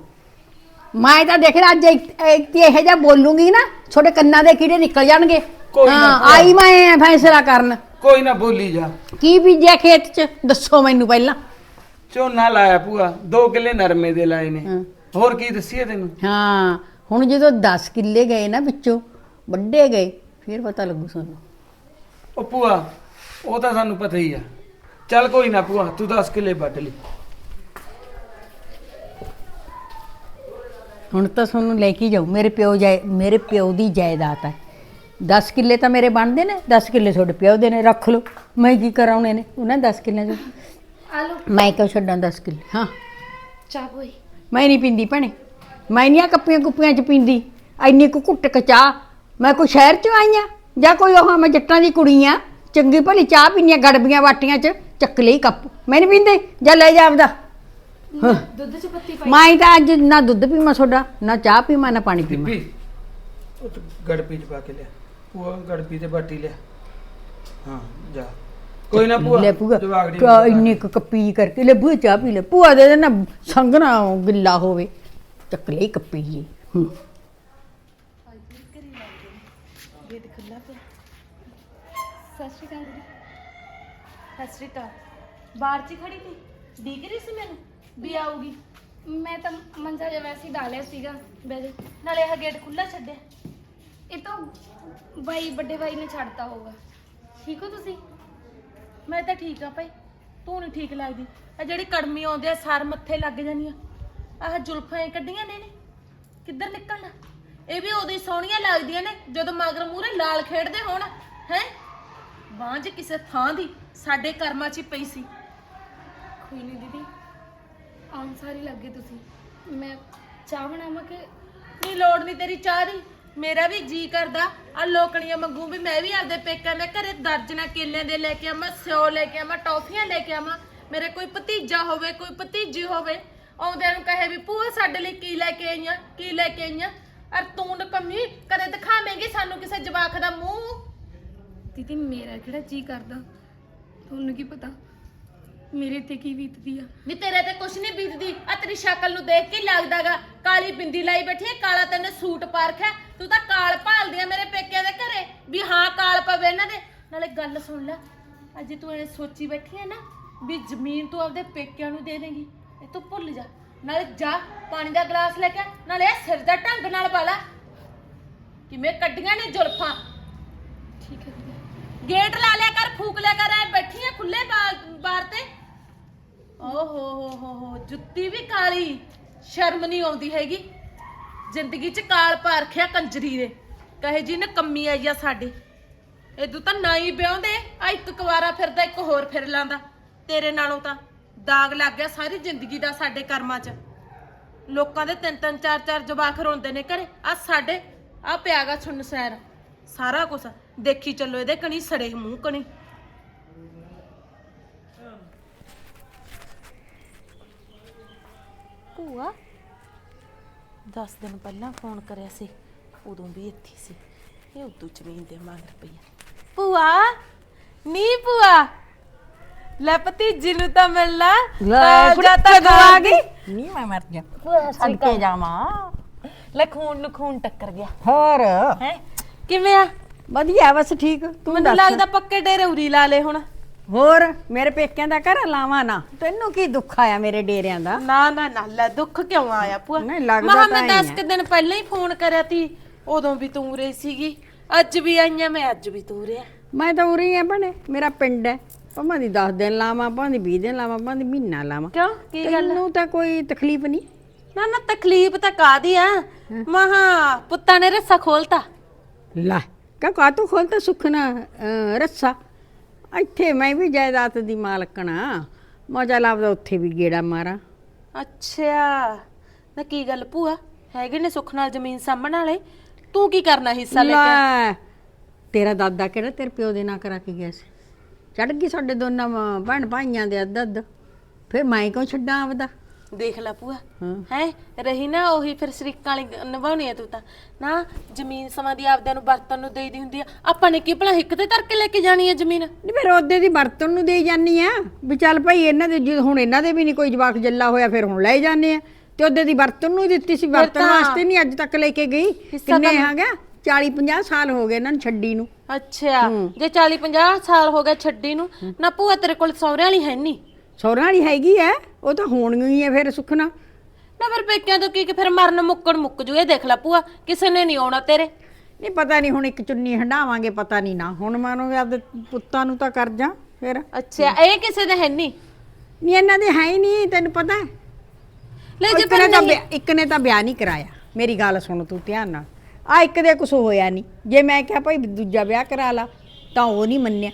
Speaker 4: ਮੈਂ ਤਾਂ ਦੇਖ ਅੱਜ ਇੱਕ ਇਹੋ ਜਿਹਾ ਬੋਲੂੰਗੀ ਨਾ, ਤੁਹਾਡੇ ਕੰਨਾਂ ਦੇ ਕੀੜੇ ਨਿਕਲ ਜਾਣਗੇ।
Speaker 3: ਕੋਈ ਨਾ
Speaker 4: ਹਾਂ
Speaker 3: ਭੂਆ।
Speaker 4: ਆਈ ਮੈਂ ਫੈਸਲਾ ਕਰਨ।
Speaker 3: ਕੋਈ ਨਾ ਬੋਲੀ ਜਾ।
Speaker 4: ਕੀ ਬੀਜਿਆ ਖੇਤ 'ਚ ਦੱਸੋ ਮੈਨੂੰ ਪਹਿਲਾਂ।
Speaker 3: ਝੋਨਾ ਲਾਇਆ ਭੂਆ, 2 ਕਿੱਲੇ ਨਰਮੇ ਦੇ ਲਾਏ ਨੇ।
Speaker 4: ਹਾਂ।
Speaker 3: ਹੋਰ ਕੀ ਦੱਸੀਏ ਤੈਨੂੰ?
Speaker 4: ਹਾਂ ਹੁਣ ਜਦੋਂ 10 ਕਿੱਲੇ ਗਏ ਨਾ ਵਿੱਚੋਂ ਵੱਡੇ ਗਏ, ਫਿਰ ਪਤਾ ਲੱਗੂ ਸਾਨੂੰ।
Speaker 3: ਉਹ ਭੂਆ ਉਹ ਤਾਂ ਸਾਨੂੰ ਪਤਾ ਹੀ ਆ। ਚੱਲ ਕੋਈ ਨਾ ਭੂਆ, ਤੂੰ 10 ਕਿੱਲੇ ਵੱਢ ਲਈ।
Speaker 4: ਹੁਣ ਤਾਂ ਤੁਹਾਨੂੰ ਲੈ ਕੇ ਜਾਊ, ਮੇਰੇ ਪਿਓ ਦੀ ਜਾਇਦਾਦ ਹੈ। 10 ਕਿੱਲੇ ਤਾਂ ਮੇਰੇ ਬਣਦੇ ਨੇ, 10 ਕਿੱਲੇ ਤੁਹਾਡੇ ਪਿਓ ਦੇ ਨੇ, ਰੱਖ ਲਓ। ਮੈਂ ਕੀ ਕਰਾਉਣੇ ਨੇ ਉਹਨਾਂ 10 ਕਿੱਲਿਆਂ 'ਚ?
Speaker 1: ਆ ਲਓ
Speaker 4: ਮੈਂ ਕਿਉਂ ਛੱਡਾਂ 10 ਕਿੱਲੇ? ਹਾਂ
Speaker 1: ਚਾਹ ਕੋਈ।
Speaker 4: ਮੈਂ ਨਹੀਂ ਪੀਂਦੀ ਭੈਣੇ, ਮੈਂ ਨਹੀਂ ਆ ਕੱਪੀਆਂ ਕੁੱਪੀਆਂ 'ਚ ਪੀਂਦੀ ਐਨੀ ਕੁ ਘੁੱਟ ਕੇ ਚਾਹ। ਮੈਂ ਕੋਈ ਸ਼ਹਿਰ 'ਚ ਆਈ ਆ ਜਾਂ ਕੋਈ ਉਹ ਮੈਂ ਜੱਟਾਂ ਦੀ ਕੁੜੀ ਆ, ਚੰਗੀ ਭਲੀ ਚਾਹ ਪੀਂਦੀਆਂ ਗੜਬੀਆਂ ਵਾਟੀਆਂ 'ਚ, ਚੱਕ ਲਈ ਕੱਪ। ਮੈਂ ਨਹੀਂ ਪੀਂਦੀ, ਜਾਂ ਲੈ ਜਾ ਆਪਦਾ।
Speaker 1: ਦੁੱਧ 'ਚ ਪੱਤੀ ਪਾਈ।
Speaker 4: ਮੈਂ ਤਾਂ ਅੱਜ ਨਾ ਦੁੱਧ ਪੀਵਾਂ ਤੁਹਾਡਾ, ਨਾ ਚਾਹ ਪੀਵਾਂ, ਨਾ ਪਾਣੀ ਪੀਵਾਂ।
Speaker 3: ਦੀਪੀ ਉਹ ਤੂੰ ਗੜਪੀ ਚ ਪਾ ਕੇ ਲਿਆ। ਭੂਆ ਗੜਪੀ ਤੇ ਬਾਟੀ ਲਿਆ। ਹਾਂ ਜਾ। ਕੋਈ ਨਾ ਭੂਆ,
Speaker 4: ਲੈ ਭੂਆ
Speaker 3: ਜਵਾਗੜੀ
Speaker 4: ਇੰਨੀ ਕੁ ਕੱਪੀ ਕਰਕੇ ਲੈ ਭੂਆ ਚਾਹ ਪੀ ਲੈ। ਭੂਆ ਦੇ ਨਾ ਸੰਗ ਨਾ ਗਿੱਲਾ ਹੋਵੇ, ਚੱਕ ਲਈ ਕੱਪੀ ਜੀ।
Speaker 5: ਸਤਿ ਸ਼੍ਰੀ ਅਕਾਲ ਜੀ। ਸਤਿ ਸ਼੍ਰੀ ਅਕਾਲ। ਬਾਹਰ 'ਚ ਖੜੀ ਸੀ, ਦਿਖ ਰਹੀ ਸੀ ਮੈਨੂੰ ਵੀ ਆਊਗੀ।
Speaker 1: ਮੈਂ ਤਾਂ ਮੰਜਾ ਜਿਹਾ ਵੈਸੇ ਹੀ ਡਾਲਿਆ ਸੀਗਾ, ਬਹਿ ਜਾ।
Speaker 5: ਨਾਲੇ ਆਹ ਗੇਟ ਖੁੱਲਾ ਛੱਡਿਆ।
Speaker 1: ਇਹ ਤਾਂ ਵੱਡੇ ਬਾਈ ਨੇ ਛੱਡਤਾ ਹੋਊਗਾ।
Speaker 5: ਠੀਕ ਹੋ ਤੁਸੀਂ? ਮੈਂ ਤਾਂ ਠੀਕ ਆ ਭਾਈ, ਤੂੰ ਨਹੀਂ ਠੀਕ ਲੱਗਦੀ। ਆ ਜਿਹੜੀ ਕੜਮੀ ਆਉਂਦੇ ਆ ਸਰ ਮੱਥੇ ਲੱਗ ਜਾਂਦੀਆਂ, ਆਹ ਜ਼ੁਲਫਾਂ ਇਹ ਕੱਢੀਆਂ ਨੇ ਕਿੱਧਰ ਨਿਕਲਣਾ? ਇਹ ਵੀ ਉਦੋਂ ਹੀ ਸੋਹਣੀਆਂ ਲੱਗਦੀਆਂ ਨੇ ਜਦੋਂ ਮਗਰ ਮੂਹਰੇ ਲਾਲ ਖੇਡਦੇ ਹੋਣ। ਹੈ ਬਾਂਝ ਕਿਸੇ ਥਾਂ ਦੀ ਸਾਡੇ ਕਰਮਾਂ 'ਚ ਹੀ ਪਈ ਸੀ।
Speaker 1: ਕੋਈ ਨਹੀਂ ਦੀਦੀ, ਆਉਣ ਸਾਰੀ ਲੱਗੇ ਤੁਸੀਂ। ਮੈਂ ਚਾਹ ਬਣਾਵਾਂ ਕਿ?
Speaker 5: ਨਹੀਂ ਲੋੜ ਨਹੀਂ ਤੇਰੀ ਚਾਹ ਦੀ, ਮੇਰਾ ਵੀ ਜੀ ਕਰਦਾ ਆ ਲੋਕਣੀਆਂ ਮੰਗੂ ਵੀ ਮੈਂ ਵੀ ਆਪਦੇ ਪੇਕਿਆਂ ਦੇ ਘਰੇ ਦਰਜਨਾ ਕੇਲਿਆਂ ਦੇ ਲੈ ਕੇ ਆਵਾਂ, ਸਿਓ ਲੈ ਕੇ ਆਵਾਂ, ਟੌਫੀਆਂ ਲੈ ਕੇ ਆਵਾਂ। ਮੇਰੇ ਕੋਈ ਭਤੀਜਾ ਹੋਵੇ, ਕੋਈ ਭਤੀਜੀ ਹੋਵੇ, ਆਉਂਦਿਆਂ ਨੂੰ ਕਹੇ ਵੀ ਭੂਆ ਸਾਡੇ ਲਈ ਕੀ ਲੈ ਕੇ ਆਈਆਂ, ਕੀ ਲੈ ਕੇ ਆਈਆਂ। ਅਰ ਤੂੰ ਨਕਮੀ ਕਦੇ ਦਿਖਾਵੇਂਗੀ ਸਾਨੂੰ ਕਿਸੇ ਜਵਾਕ ਦਾ ਮੂੰਹ?
Speaker 1: ਦੀਦੀ ਮੇਰਾ ਕਿਹੜਾ ਜੀ ਕਰਦਾ, ਤੁਹਾਨੂੰ ਕੀ ਪਤਾ ਮੇਰੇ ਤੇ ਕੀ ਬੀਤਦੀ ਆ।
Speaker 5: ਨੀ ਤੇਰੇ ਤੇ ਕੁਛ ਨਹੀਂ ਬੀਤਦੀ। ਆ ਤੇਰੀ ਸ਼ਕਲ ਨੂੰ ਦੇਖ ਕੇ ਲੱਗਦਾਗਾ ਕਾਲੀ ਬਿੰਦੀ ਲਾਈ ਬੈਠੀ ਹੈ, ਕਾਲਾ ਤੈਨੂੰ ਸੂਟ ਪਾ ਰੱਖਿਆ। ਤੂੰ ਤਾਂ ਕਾਲ ਭਾਲਦੀ ਆ ਮੇਰੇ ਪੇਕਿਆਂ ਦੇ ਘਰੇ ਵੀ ਹਾਂ ਕਾਲ ਪਵੇ ਇਹਨਾਂ ਦੇ। ਨਾਲੇ ਗੱਲ ਸੁਣ ਲੈ, ਅੱਜ ਤੂੰ ਐ ਸੋਚੀ ਬੈਠੀ ਹੈ ਨਾ ਵੀ ਜ਼ਮੀਨ ਤੂੰ ਆਪਦੇ ਪੇਕਿਆਂ ਨੂੰ ਦੇ ਦੇਂਗੀ, ਇਹ ਤੂੰ ਭੁੱਲ ਜਾ। ਨਾਲੇ ਜਾ ਪਾਣੀ ਦਾ ਗਲਾਸ ਲੈ ਕੇ, ਨਾਲੇ ਇਹ ਸਿਰ ਦਾ ਢੰਗ ਨਾਲ ਪਾ ਲੈ। ਕਿਵੇਂ ਕੱਢੀਆਂ ਨੇ ਜ਼ੁਲਫਾਂ।
Speaker 1: ਠੀਕ ਹੈ ਦੀਦੀ।
Speaker 5: ਗੇਟ ਲਾ ਲਿਆ ਕਰ, ਫੂਕ ਲਿਆ ਕਰ। ਐ ਬੈਠੀ ਆ ਖੁੱਲੇ ਬਾਰ ਤੇ। ਓ ਹੋ ਜੁੱਤੀ ਵੀ ਕਾਲੀ, ਸ਼ਰਮ ਨਹੀਂ ਆਉਂਦੀ ਹੈਗੀ। ਜ਼ਿੰਦਗੀ 'ਚ ਕਾਲ ਪਾ ਰੱਖਿਆ ਕੰਜਰੀ ਦੇ, ਕਹੇ ਜੀ ਨੇ ਕੰਮੀ ਆਈ ਆ ਸਾਡੇ। ਇਦੋਂ ਤਾਂ ਨਾ ਹੀ ਵਿਆਹੁੰਦੇ, ਆ ਇੱਕ ਕੁਵਾਰਾ ਫਿਰਦਾ ਇੱਕ ਹੋਰ ਫਿਰ ਲਾਂਦਾ। ਤੇਰੇ ਨਾਲੋਂ ਤਾਂ ਦਾਗ ਲੱਗ ਗਿਆ ਸਾਰੀ ਜ਼ਿੰਦਗੀ ਦਾ ਸਾਡੇ ਕਰਮਾਂ 'ਚ। ਲੋਕਾਂ ਦੇ 3-3 4-4 ਜਵਾਕ ਰੋਂਦੇ ਨੇ ਘਰੇ, ਆ ਸਾਡੇ ਆ ਪਿਆਗਾ ਸੁਣ ਸੈਰ ਸਾਰਾ ਕੁਛ। ਦੇਖੀ ਚੱਲੋ ਇਹਦੇ ਕਣੀ ਸੜੇ ਮੂੰਹ ਕਣੀ। ਭੂਆ 10 ਦਿਨ ਪਹਿਲਾਂ ਫੋਨ ਕਰਿਆ ਸੀ, ਉਦੋਂ ਵੀ ਇੱਥੇ ਸੀ। ਇਹ ਉਦੋਂ ਜ਼ਮੀਨ ਦੇ ਮੰਗ ਰੁਪਈਆ। ਭੂਆ ਨੀ ਭੂਆ ਲੈ ਭਤੀਜੀ ਨੂੰ ਤਾਂ ਮਿਲਣਾ ਜਾਂ ਤਾਂ ਗਵਾ ਗਈ।
Speaker 4: ਨਹੀਂ ਮੈਂ ਮਰ ਜਾ ਸਦਕੇ ਜਾਵਾਂ।
Speaker 5: ਲੈ ਖੂਨ ਨੂੰ ਖੂਨ ਟੱਕਰ ਗਿਆ
Speaker 4: ਹੋਰ
Speaker 5: ਹੈ। ਕਿਵੇਂ ਆ?
Speaker 4: ਵਧੀਆ ਬਸ ਠੀਕ। ਤੂੰ
Speaker 5: ਮੈਨੂੰ
Speaker 4: ਦੱਸ।
Speaker 5: ਲੱਗਦਾ ਪੱਕੇ ਡੇਰੇ ਉਰੀ ਲਾ ਲੇ ਹੁਣ।
Speaker 4: ਹੋਰ ਮੇਰੇ ਪੇਕਿਆਂ ਦਾ ਘਰ ਲਾਵਾਂ ਨਾ, ਤੈਨੂੰ ਕੀ ਦੁੱਖ ਆਇਆ ਮੇਰੇ ਡੇਰਿਆਂ ਦਾ?
Speaker 5: ਨਾ ਨਾ ਨਾ ਲੈ ਦੁੱਖ ਕਿਉਂ ਆਇਆ ਭੂਆ?
Speaker 4: ਨਹੀਂ, ਲੱਗਦਾ
Speaker 5: ਮੈਂ
Speaker 4: ਤਾਂ ਹੀ
Speaker 5: 10
Speaker 4: ਹੈ।
Speaker 5: ਕੁ ਦਿਨ ਪਹਿਲਾਂ ਹੀ ਫੋਨ ਕਰਿਆ ਤੀ, ਉਦੋਂ ਵੀ ਤੂੰ ਰਹੀ ਸੀਗੀ। ਅੱਜ ਵੀ ਆਈਆਂ ਮੈਂ, ਅੱਜ ਵੀ ਤੂੰ ਰਿਆ।
Speaker 4: ਮੈਂ ਤਾਂ ਉਰੀ ਆ ਭਣੇ, ਮੇਰਾ ਪਿੰਡ ਹੈ। ਭਾਵੇਂ ਦੀ 10 ਦਿਨ ਲਾਵਾਂ, ਭਾਵੇਂ 20 ਦਿਨ ਲਾਵਾਂ, ਭਾਵੇਂ ਮਹੀਨਾ ਲਾਵਾਂ।
Speaker 5: ਕਿਉਂ ਕੀ ਗੱਲ?
Speaker 4: ਤੈਨੂੰ ਤਾਂ ਕੋਈ ਤਕਲੀਫ ਨਹੀਂ?
Speaker 5: ਨਾ ਨਾ ਤਕਲੀਫ ਤਾਂ ਕਾਦੀ ਆ। ਮਹਾ ਪੁੱਤਾਂ ਨੇ ਰੱਸਾ ਖੋਲਤਾ।
Speaker 4: ਲੈ ਕਾ ਤੂੰ ਖੋਲਤਾ ਸੁਖਣਾ ਰੱਸਾ। ਇੱਥੇ ਮੈਂ ਵੀ ਜਾਇਦਾਦ ਦੀ ਮਾਲਕਣਾ, ਮਜ਼ਾ ਲੱਭਦਾ ਉੱਥੇ ਵੀ ਗੇੜਾ ਮਾਰਾਂ।
Speaker 5: ਅੱਛਾ ਨਾ ਕੀ ਗੱਲ ਭੂਆ, ਹੈਗੇ ਨੇ ਸੁੱਖ ਨਾਲ ਜ਼ਮੀਨ ਸਾਂਭਣ ਵਾਲੇ, ਤੂੰ ਕੀ ਕਰਨਾ ਹਿੱਸਾ ਲੈ ਕੇ?
Speaker 4: ਲੈ ਤੇਰਾ ਦਾਦਾ ਕਿਹੜਾ ਤੇਰੇ ਪਿਓ ਦੇ ਨਾਂ ਕਰਾ ਕੇ ਗਿਆ ਸੀ? ਚੜ ਗਈ ਸਾਡੇ ਦੋਨਾਂ ਭੈਣ ਭਾਈਆਂ ਦੇ ਅੱਧ। ਫਿਰ ਮੈਂ ਕਿਉਂ ਛੱਡਾਂ ਆਪਦਾ?
Speaker 5: ਦੇਖ ਲੈ ਭੂਆ
Speaker 4: ਹਾਂ।
Speaker 5: ਹੈ ਰਹੀ ਨਾ ਉਹੀ ਫਿਰ ਸ਼ਰੀਕਾਂ ਵਾਲੀ ਨਿਭਾਉਣੀ ਆ ਤੂੰ ਤਾਂ। ਨਾ ਜ਼ਮੀਨ ਸਮਾਂ ਦੀ ਆਪਦਿਆਂ ਨੂੰ ਵਰਤਨ ਨੂੰ ਦੇਈਦੀ ਹੁੰਦੀ ਆ, ਆਪਾਂ ਨੇ ਕੀ ਭਲਾ ਹਿੱਕ ਤੇ ਧਰ ਕੇ ਲੈ ਕੇ ਜਾਣੀ ਆ ਜ਼ਮੀਨ?
Speaker 4: ਨਹੀਂ ਫਿਰ ਉਹਦੇ ਦੀ ਵਰਤਨ ਨੂੰ ਦੇਈ ਜਾਨੀ ਆ ਵੀ ਚੱਲ ਭਾਈ ਇਹਨਾਂ ਦੇ ਜੇ ਹੁਣ ਇਹਨਾਂ ਦੇ ਵੀ ਨਹੀਂ ਕੋਈ ਜਵਾਕ ਜੱਲਾ ਹੋਇਆ, ਫਿਰ ਹੁਣ ਲੈ ਜਾਂਦੇ ਆ। ਤੇ ਉਹਦੇ ਦੀ ਵਰਤਨ ਨੂੰ ਦਿੱਤੀ ਸੀ, ਵਰਤਨ
Speaker 5: ਤਾਂ
Speaker 4: ਵਾਸਤੇ ਨਹੀਂ ਅੱਜ ਤੱਕ ਲੈ ਕੇ ਗਈ। ਕਿੰਨੇ ਹੈਗਾ 40-50 ਸਾਲ ਹੋ ਗਏ ਇਹਨਾਂ ਨੂੰ ਛੱਡੀ ਨੂੰ।
Speaker 5: ਅੱਛਾ ਜੇ 40-50 ਸਾਲ ਹੋ ਗਏ ਛੱਡੀ ਨੂੰ। ਨਾ ਭੂਆ ਤੇਰੇ ਕੋਲ ਸਹੁਰਿਆਂ ਵਾਲੀ ਹੈ ਨਹੀਂ?
Speaker 4: ਸਹੁਰਿਆਂ ਵਾਲੀ ਹੈਗੀ ਐ, ਉਹ ਤਾਂ ਹੋਣੀ ਹੀ ਐ ਫਿਰ ਸੁਖਣਾ।
Speaker 5: ਨਾ ਫਿਰ ਪੇਕਿਆਂ ਤੋਂ ਕੀ ਫਿਰ ਮਰਨ ਮੁੱਕਣ ਮੁੱਕ ਜੂ। ਇਹ ਦੇਖ ਲੈ ਭੂਆ ਕਿਸੇ ਨੇ ਨਹੀਂ ਆਉਣਾ ਤੇਰੇ।
Speaker 4: ਨਹੀਂ ਪਤਾ ਨਹੀਂ ਹੁਣ ਇੱਕ ਚੁੰਨੀ ਹੰਡਾਵਾਂਗੇ, ਪਤਾ ਨਹੀਂ ਨਾ ਹੁਣ ਮਾਨੋਗੇ ਆਪਦੇ ਪੁੱਤਾਂ ਨੂੰ ਤਾਂ ਕਰ ਜਾ ਫਿਰ।
Speaker 5: ਅੱਛਾ ਇਹ ਕਿਸੇ ਦੇ ਹੈ ਨਹੀਂ?
Speaker 4: ਨਹੀਂ ਇਹਨਾਂ ਦੇ ਹੈ ਹੀ ਨਹੀਂ, ਤੈਨੂੰ ਪਤਾ ਹੈ।
Speaker 5: ਲੈ ਜੇ
Speaker 4: ਇੱਕ ਨੇ
Speaker 5: ਪਰ
Speaker 4: ਤਾਂ
Speaker 5: ਨਹੀਂ
Speaker 4: ਇੱਕ ਨੇ ਤਾਂ ਵਿਆਹ ਨਹੀਂ ਕਰਾਇਆ। ਮੇਰੀ ਗੱਲ ਸੁਣ ਤੂੰ ਧਿਆਨ ਨਾਲ, ਆ ਇੱਕ ਦੇ ਕੁਛ ਹੋਇਆ ਨਹੀਂ। ਜੇ ਮੈਂ ਕਿਹਾ ਭਾਈ ਦੂਜਾ ਵਿਆਹ ਕਰਾ ਲਾ ਤਾਂ ਉਹ ਨਹੀਂ ਮੰਨਿਆ।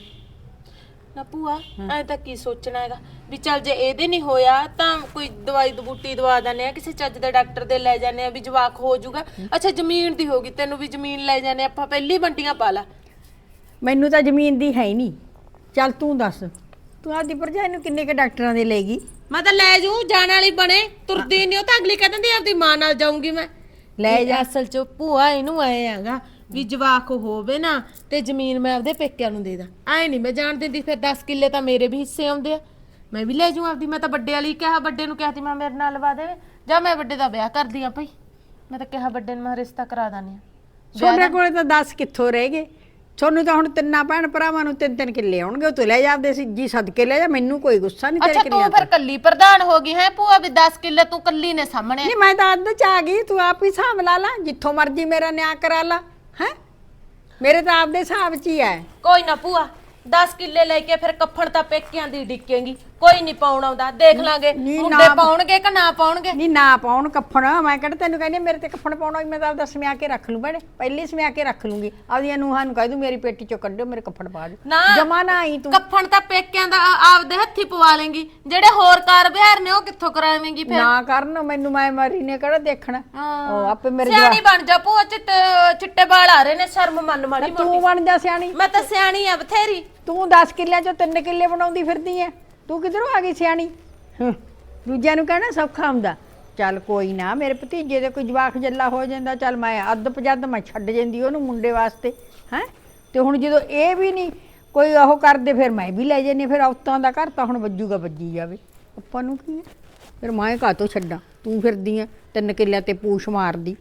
Speaker 5: ਨਾ ਭੂਆ ਐ ਤਾਂ ਕੀ ਸੋਚਣਾ ਹੈਗਾ ਵੀ ਚੱਲ ਜੇ ਇਹਦੇ ਨਹੀਂ ਹੋਇਆ ਤਾਂ ਕੋਈ ਦਵਾਈ ਬੂਟੀ ਦਵਾ ਦਿੰਦੇ ਆ, ਕਿਸੇ ਚੱਜ ਦੇ ਡਾਕਟਰ ਦੇ ਲੈ ਜਾਂਦੇ ਆ ਵੀ ਜਵਾਕ ਹੋ ਜਾਊਗਾ। ਅੱਛਾ ਜ਼ਮੀਨ ਦੀ ਹੋਗੀ, ਤੈਨੂੰ ਵੀ ਜ਼ਮੀਨ ਲੈ ਜਾਂਦੇ ਆਪਾਂ, ਪਹਿਲੀ ਵੰਡੀਆਂ ਪਾ ਲਾ।
Speaker 4: ਮੈਨੂੰ ਤਾਂ ਜ਼ਮੀਨ ਦੀ ਹੈ ਹੀ ਨਹੀਂ। ਚੱਲ ਤੂੰ ਦੱਸ, ਤੂੰ ਆਪਦੀ ਭਰਜਾਈ ਨੂੰ ਕਿੰਨੇ ਕੇ ਡਾਕਟਰਾਂ ਦੇ ਲੈ ਗਈ?
Speaker 5: ਮੈਂ ਤਾਂ ਲੈ ਜੂ, ਜਾਣ ਵਾਲੀ ਬਣੇ, ਤੁਰਦੀ ਨਹੀਂ ਉਹ ਤਾਂ ਅਗਲੀ ਕਹਿ ਦਿੰਦੀ ਆਪਦੀ ਮਾਂ ਨਾਲ ਜਾਊਂਗੀ ਮੈਂ।
Speaker 4: ਲੈ ਜਾ।
Speaker 5: ਅਸਲ ਚ ਭੂਆ ਇਹਨੂੰ ਆਏ ਹੈਗਾ ਵੀ ਜਵਾਕ ਹੋਵੇ ਨਾ ਤੇ ਜ਼ਮੀਨ ਮੈਂ ਆਪਦੇ ਪੇਕਿਆਂ ਨੂੰ ਦੇ ਦਾਂ। ਐ ਨਹੀਂ ਮੈਂ ਜਾਣ ਦਿੰਦੀ, ਫਿਰ 10 ਕਿੱਲੇ ਤਾਂ ਮੇਰੇ ਵੀ ਹਿੱਸੇ ਆਉਂਦੇ ਆ, ਮੈਂ ਵੀ ਲੈ ਜੂ ਆਪਦੀ। ਮੈਂ ਤਾਂ ਵੱਡੇ ਵਾਲੀ ਕਿਹਾ, ਵੱਡੇ ਨੂੰ ਕਿਹਾ ਸੀ ਮੈਂ ਮੇਰੇ ਨਾਲ ਲਵਾ ਦੇਵੇ, ਜਾਂ ਮੈਂ ਵੱਡੇ ਦਾ ਵਿਆਹ ਕਰਦੀ ਆ ਭਾਈ। ਮੈਂ ਤਾਂ ਕਿਹਾ ਵੱਡੇ ਨੂੰ ਮੈਂ ਰਿਸ਼ਤਾ ਕਰਾ ਦਾਨੀ ਆ।
Speaker 4: ਤੁਹਾਡੇ ਕੋਲੇ ਤਾਂ 10 ਕਿੱਥੋਂ ਰਹਿ ਗਏ? ਤੁਹਾਨੂੰ ਤਾਂ ਹੁਣ ਤਿੰਨਾਂ ਭੈਣ ਭਰਾਵਾਂ ਨੂੰ 3-3 ਕਿੱਲੇ ਆਉਣਗੇ, ਉਹ ਤੂੰ ਲੈ ਜਾ ਆਪਦੇ ਜੀ ਸਦਕੇ ਲੈ ਜਾ। ਮੈਨੂੰ ਕੋਈ ਗੁੱਸਾ ਨਹੀਂ ਤੇਰੇ
Speaker 5: ਅੱਛਾ
Speaker 4: ਕਿੱਲਿਆਂ
Speaker 5: ਤੂੰ
Speaker 4: ਤੋਂ।
Speaker 5: ਫਿਰ ਕੱਲੀ ਪ੍ਰਧਾਨ ਹੋ ਗਈ ਹੈ ਭੂਆ ਵੀ 10 ਕਿੱਲੇ ਤੂੰ ਕੱਲੀ ਨੇ ਸਾਹਮਣੇ?
Speaker 4: ਨਹੀਂ ਮੈਂ ਤਾਂ ਅੱਧ ਚ ਆ ਗਈ, ਤੂੰ ਆਪ ਹੀ ਹਿਸਾਬ ਲਾ ਲਾ, ਜਿੱਥੋਂ ਮਰਜ਼ੀ ਮੇਰਾ ਨਿਆਂ ਕਰਾ ਲਾ। ਹੈ ਮੇਰੇ ਤਾਂ ਆਪਦੇ ਹਿਸਾਬ 'ਚ ਹੀ ਹੈ।
Speaker 5: ਕੋਈ ਨਾ ਭੂਆ 10 ਕਿੱਲੇ ਲੈ ਕੇ ਫਿਰ ਕੱਫਣ ਤਾਂ ਪੇਕਿਆਂ ਦੀ ਡਿੱਕੇਗੀ। ਕੋਈ ਨਹੀਂ ਪਾਉਣ ਆਉਂਦਾ, ਦੇਖ ਲਾਂਗੇ
Speaker 4: ਨਹੀਂ,
Speaker 5: ਮੁੰਡੇ
Speaker 4: ਨਾ-
Speaker 5: ਪਾਉਣਗੇ ਕਿ ਨਾ ਪਾਉਣਗੇ।
Speaker 4: ਨਹੀਂ ਨਾ ਪਾਉਣ ਕੱਫਣ, ਮੈਂ ਕਿਹੜਾ ਤੈਨੂੰ ਕਹਿੰਦੀ ਮੇਰੇ ਤੇ ਕੱਫਣ ਪਾਉਣਾ, ਮੈਂ ਤਾਂ ਆਪਦਾ ਸਮਿਆ ਕੇ ਰੱਖ ਲੂੰ ਭੈਣੇ, ਪਹਿਲੀ ਸਮਿਆ ਕੇ ਰੱਖ ਲੂੰਗੀ, ਆਪਦੀਆਂ ਨੂੰਹਾਂ ਨੂੰ ਕਹਿ ਦੂੰ ਮੇਰੀ ਪੇਟੀ ਚੋਂ ਕੱਢਿਓ ਮੇਰੇ ਕੱਫਣ ਪਾ ਦਿਓ,
Speaker 5: ਨਾ
Speaker 4: ਜਮਾ ਨਾ ਆਈ ਤੂੰ।
Speaker 5: ਕੱਫਣ ਤਾਂ ਪੇਕਿਆਂ ਦਾ ਆਪਦੇ ਹੱਥੀ ਪਵਾ ਲੇਂਗੀ, ਜਿਹੜੇ ਹੋਰ ਕਾਰ ਵਿਹਾਰ ਨੇ ਉਹ ਕਿੱਥੋਂ ਕਰਾਵੇਂਗੀ ਫਿਰ।
Speaker 4: ਨਾ ਕਰਨ ਮੈਨੂੰ, ਮੈਂ ਮਰੀ ਨੇ ਕਿਹੜਾ ਦੇਖਣਾ, ਉਹ ਆਪੇ ਮੇਰੇ
Speaker 5: ਸਿਆਣੀ ਬਣ ਜਾ ਭੂਆ, ਚਿੱਟੇ ਵਾਲ ਆ ਰਹੇ ਨੇ, ਸ਼ਰਮ ਮੰਨ ਮਾੜੀ
Speaker 4: ਤੂੰ
Speaker 5: ਮੋਟੀ।
Speaker 4: ਬਣ ਜਾ ਸਿਆਣੀ,
Speaker 5: ਮੈਂ ਤਾਂ ਸਿਆਣੀ ਆ ਬਥੇਰੀ।
Speaker 4: ਤੂੰ 10 ਕਿੱਲਿਆਂ ਚੋਂ 3 ਕਿੱਲੇ ਬਣਾਉਂਦੀ ਫਿਰਦੀ ਐ, ਤੂੰ ਕਿਧਰੋਂ ਆ ਗਈ ਸਿਆਣੀ। ਦੂਜਿਆਂ ਨੂੰ ਕਹਿਣਾ ਸੌਖਾ ਹੁੰਦਾ, ਚੱਲ ਕੋਈ ਨਾ ਮੇਰੇ ਭਤੀਜੇ ਦੇ ਕੋਈ ਜਵਾਕ ਜੱਲਾ ਹੋ ਜਾਂਦਾ, ਚੱਲ ਮੈਂ ਅੱਧ ਪਜੱਧ ਮੈਂ ਛੱਡ ਜਾਂਦੀ ਉਹਨੂੰ ਮੁੰਡੇ ਵਾਸਤੇ ਹੈ। ਤੇ ਹੁਣ ਜਦੋਂ ਇਹ ਵੀ ਨਹੀਂ ਕੋਈ ਉਹ ਕਰਦੇ, ਫਿਰ ਮੈਂ ਵੀ ਲੈ ਜਾਂਦੀ, ਫਿਰ ਔਤਾਂ ਦਾ ਘਰ ਤਾਂ ਹੁਣ ਵੱਜੂਗਾ, ਵੱਜੀ ਜਾਵੇ, ਆਪਾਂ ਨੂੰ ਕੀ ਹੈ, ਫਿਰ ਮੈਂ ਕਾਹਤੋਂ ਛੱਡਾਂ, ਤੂੰ ਫਿਰਦੀ ਐ 3 ਕਿੱਲਿਆਂ ਤੇ ਪੂਛ ਮਾਰਦੀ।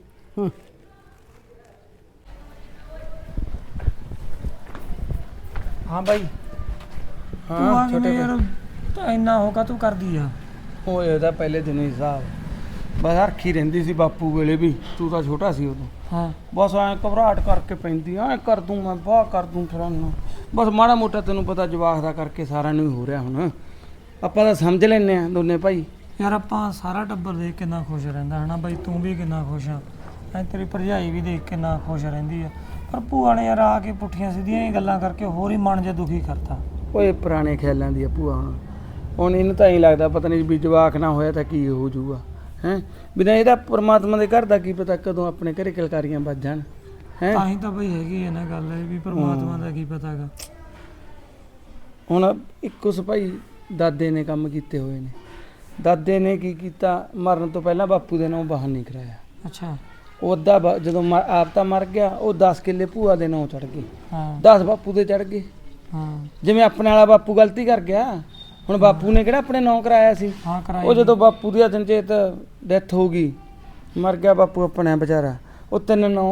Speaker 2: ਹਾਂ ਬਾਈ,
Speaker 3: ਹਾਂ
Speaker 2: ਤੂੰ ਆ
Speaker 3: ਛੋਟੇ
Speaker 2: ਕਿਵੇਂ ਯਾਰ ਤਾਂ ਇੰਨਾ ਹੋਗਾ ਤੂੰ ਕਰਦੀ ਆ।
Speaker 3: ਉਹ ਇਹਦਾ ਪਹਿਲੇ ਦਿਨੋਂ ਹੀ ਹਿਸਾਬ, ਬਸ ਹਰਖੀ ਰਹਿੰਦੀ ਸੀ ਬਾਪੂ ਵੇਲੇ ਵੀ, ਤੂੰ ਤਾਂ ਛੋਟਾ ਸੀ ਉਦੋਂ,
Speaker 2: ਹਾਂ
Speaker 3: ਬਸ ਐਂ ਘਬਰਾਹਟ ਕਰਕੇ ਪੈਂਦੀ, ਐਂ ਕਰ ਦੂੰ ਮੈਂ, ਬਾਹ ਕਰ ਦੂੰ ਫਲਾਨਾ, ਬਸ ਮਾੜਾ ਮੋਟਾ ਤੈਨੂੰ ਪਤਾ ਜਵਾਕ ਦਾ ਕਰਕੇ ਸਾਰਿਆਂ ਨੂੰ ਹੀ ਹੋ ਰਿਹਾ ਹੁਣ, ਆਪਾਂ ਤਾਂ ਸਮਝ ਲੈਂਦੇ ਆ ਦੋਨੇ ਭਾਈ।
Speaker 2: ਯਾਰ ਆਪਾਂ ਸਾਰਾ ਟੱਬਰ ਦੇਖ ਕਿੰਨਾ ਖੁਸ਼ ਰਹਿੰਦਾ ਹਨਾ ਬਾਈ, ਤੂੰ ਵੀ ਕਿੰਨਾ ਖੁਸ਼ ਆ, ਐ ਤੇਰੀ ਭਰਜਾਈ ਵੀ ਦੇਖ ਕਿੰਨਾ ਖੁਸ਼ ਰਹਿੰਦੀ ਆ, ਪਰ ਭੂਆ ਨੇ ਯਾਰ ਆ ਕੇ ਪੁੱਠੀਆਂ ਸਿੱਧੀਆਂ ਹੀ ਗੱਲਾਂ ਕਰਕੇ ਹੋਰ ਹੀ ਮਨ ਜਿਹਾ ਦੁਖੀ ਕਰਤਾ।
Speaker 3: ਓਏ ਪੁਰਾਣੇ ਖਿਆਲਾਂ ਦੀ ਆ ਭੂਆ, ਹੁਣ ਇਹਨੂੰ ਤਾਂ ਐਂ ਲੱਗਦਾ ਪਤਾ ਨਹੀਂ ਵੀ ਜਵਾਕ ਨਾ ਹੋਇਆ ਤਾਂ ਕੀ ਹੋ ਜਾਊਗਾ ਹੈ, ਬਿਨਾਂ ਇਹਦਾ ਪਰਮਾਤਮਾ ਦੇ ਘਰ ਦਾ ਕੀ ਪਤਾ ਕਦੋਂ ਆਪਣੇ ਘਰੇ ਕਿਲਕਾਰੀਆਂ ਵੱਜ ਜਾਣ ਹੈ।
Speaker 2: ਤਾਂ ਹੀ ਤਾਂ ਬਈ ਹੈਗੀ ਹੈ ਨਾ ਗੱਲ, ਇਹ ਵੀ ਪਰਮਾਤਮਾ ਦਾ ਕੀ ਪਤਾਗਾ।
Speaker 3: ਹੁਣ ਇੱਕੋ ਭਾਈ ਦਾਦੇ ਨੇ ਕੰਮ ਕੀਤੇ ਹੋਏ ਨੇ, ਦਾਦੇ ਨੇ ਕੀ ਕੀਤਾ, ਮਰਨ ਤੋਂ ਪਹਿਲਾਂ ਬਾਪੂ ਦੇ ਨਾਂ ਬਾਹਰ ਨਹੀਂ ਕਰਾਇਆ,
Speaker 2: ਅੱਛਾ
Speaker 3: ਉਹ ਅੱਧਾ ਜਦੋਂ ਆਪ ਤਾਂ ਮਰ ਗਿਆ, ਉਹ 10 ਕਿੱਲੇ ਭੂਆ ਦੇ ਨਾਂ ਚੜ ਗਏ,
Speaker 2: ਹਾਂ
Speaker 3: 10 ਬਾਪੂ ਦੇ ਚੜ ਗਏ,
Speaker 2: ਹਾਂ
Speaker 3: ਜਿਵੇਂ ਆਪਣੇ ਵਾਲਾ ਬਾਪੂ ਗਲਤੀ ਕਰ ਗਿਆ, ਹੁਣ ਬਾਪੂ ਨੇ ਕਿਹੜਾ ਆਪਣੇ ਨਾਂ ਕਰਾਇਆ ਸੀ,
Speaker 2: ਹਾਂ ਕਰਾਈ
Speaker 3: ਉਹ ਜਦੋਂ ਬਾਪੂ ਦੀ ਅਚਨਚੇਤ ਡੈਥ ਹੋ ਗਈ, ਮਰ ਗਿਆ ਬਾਪੂ ਆਪਣਾ ਵਿਚਾਰਾ, ਉਹ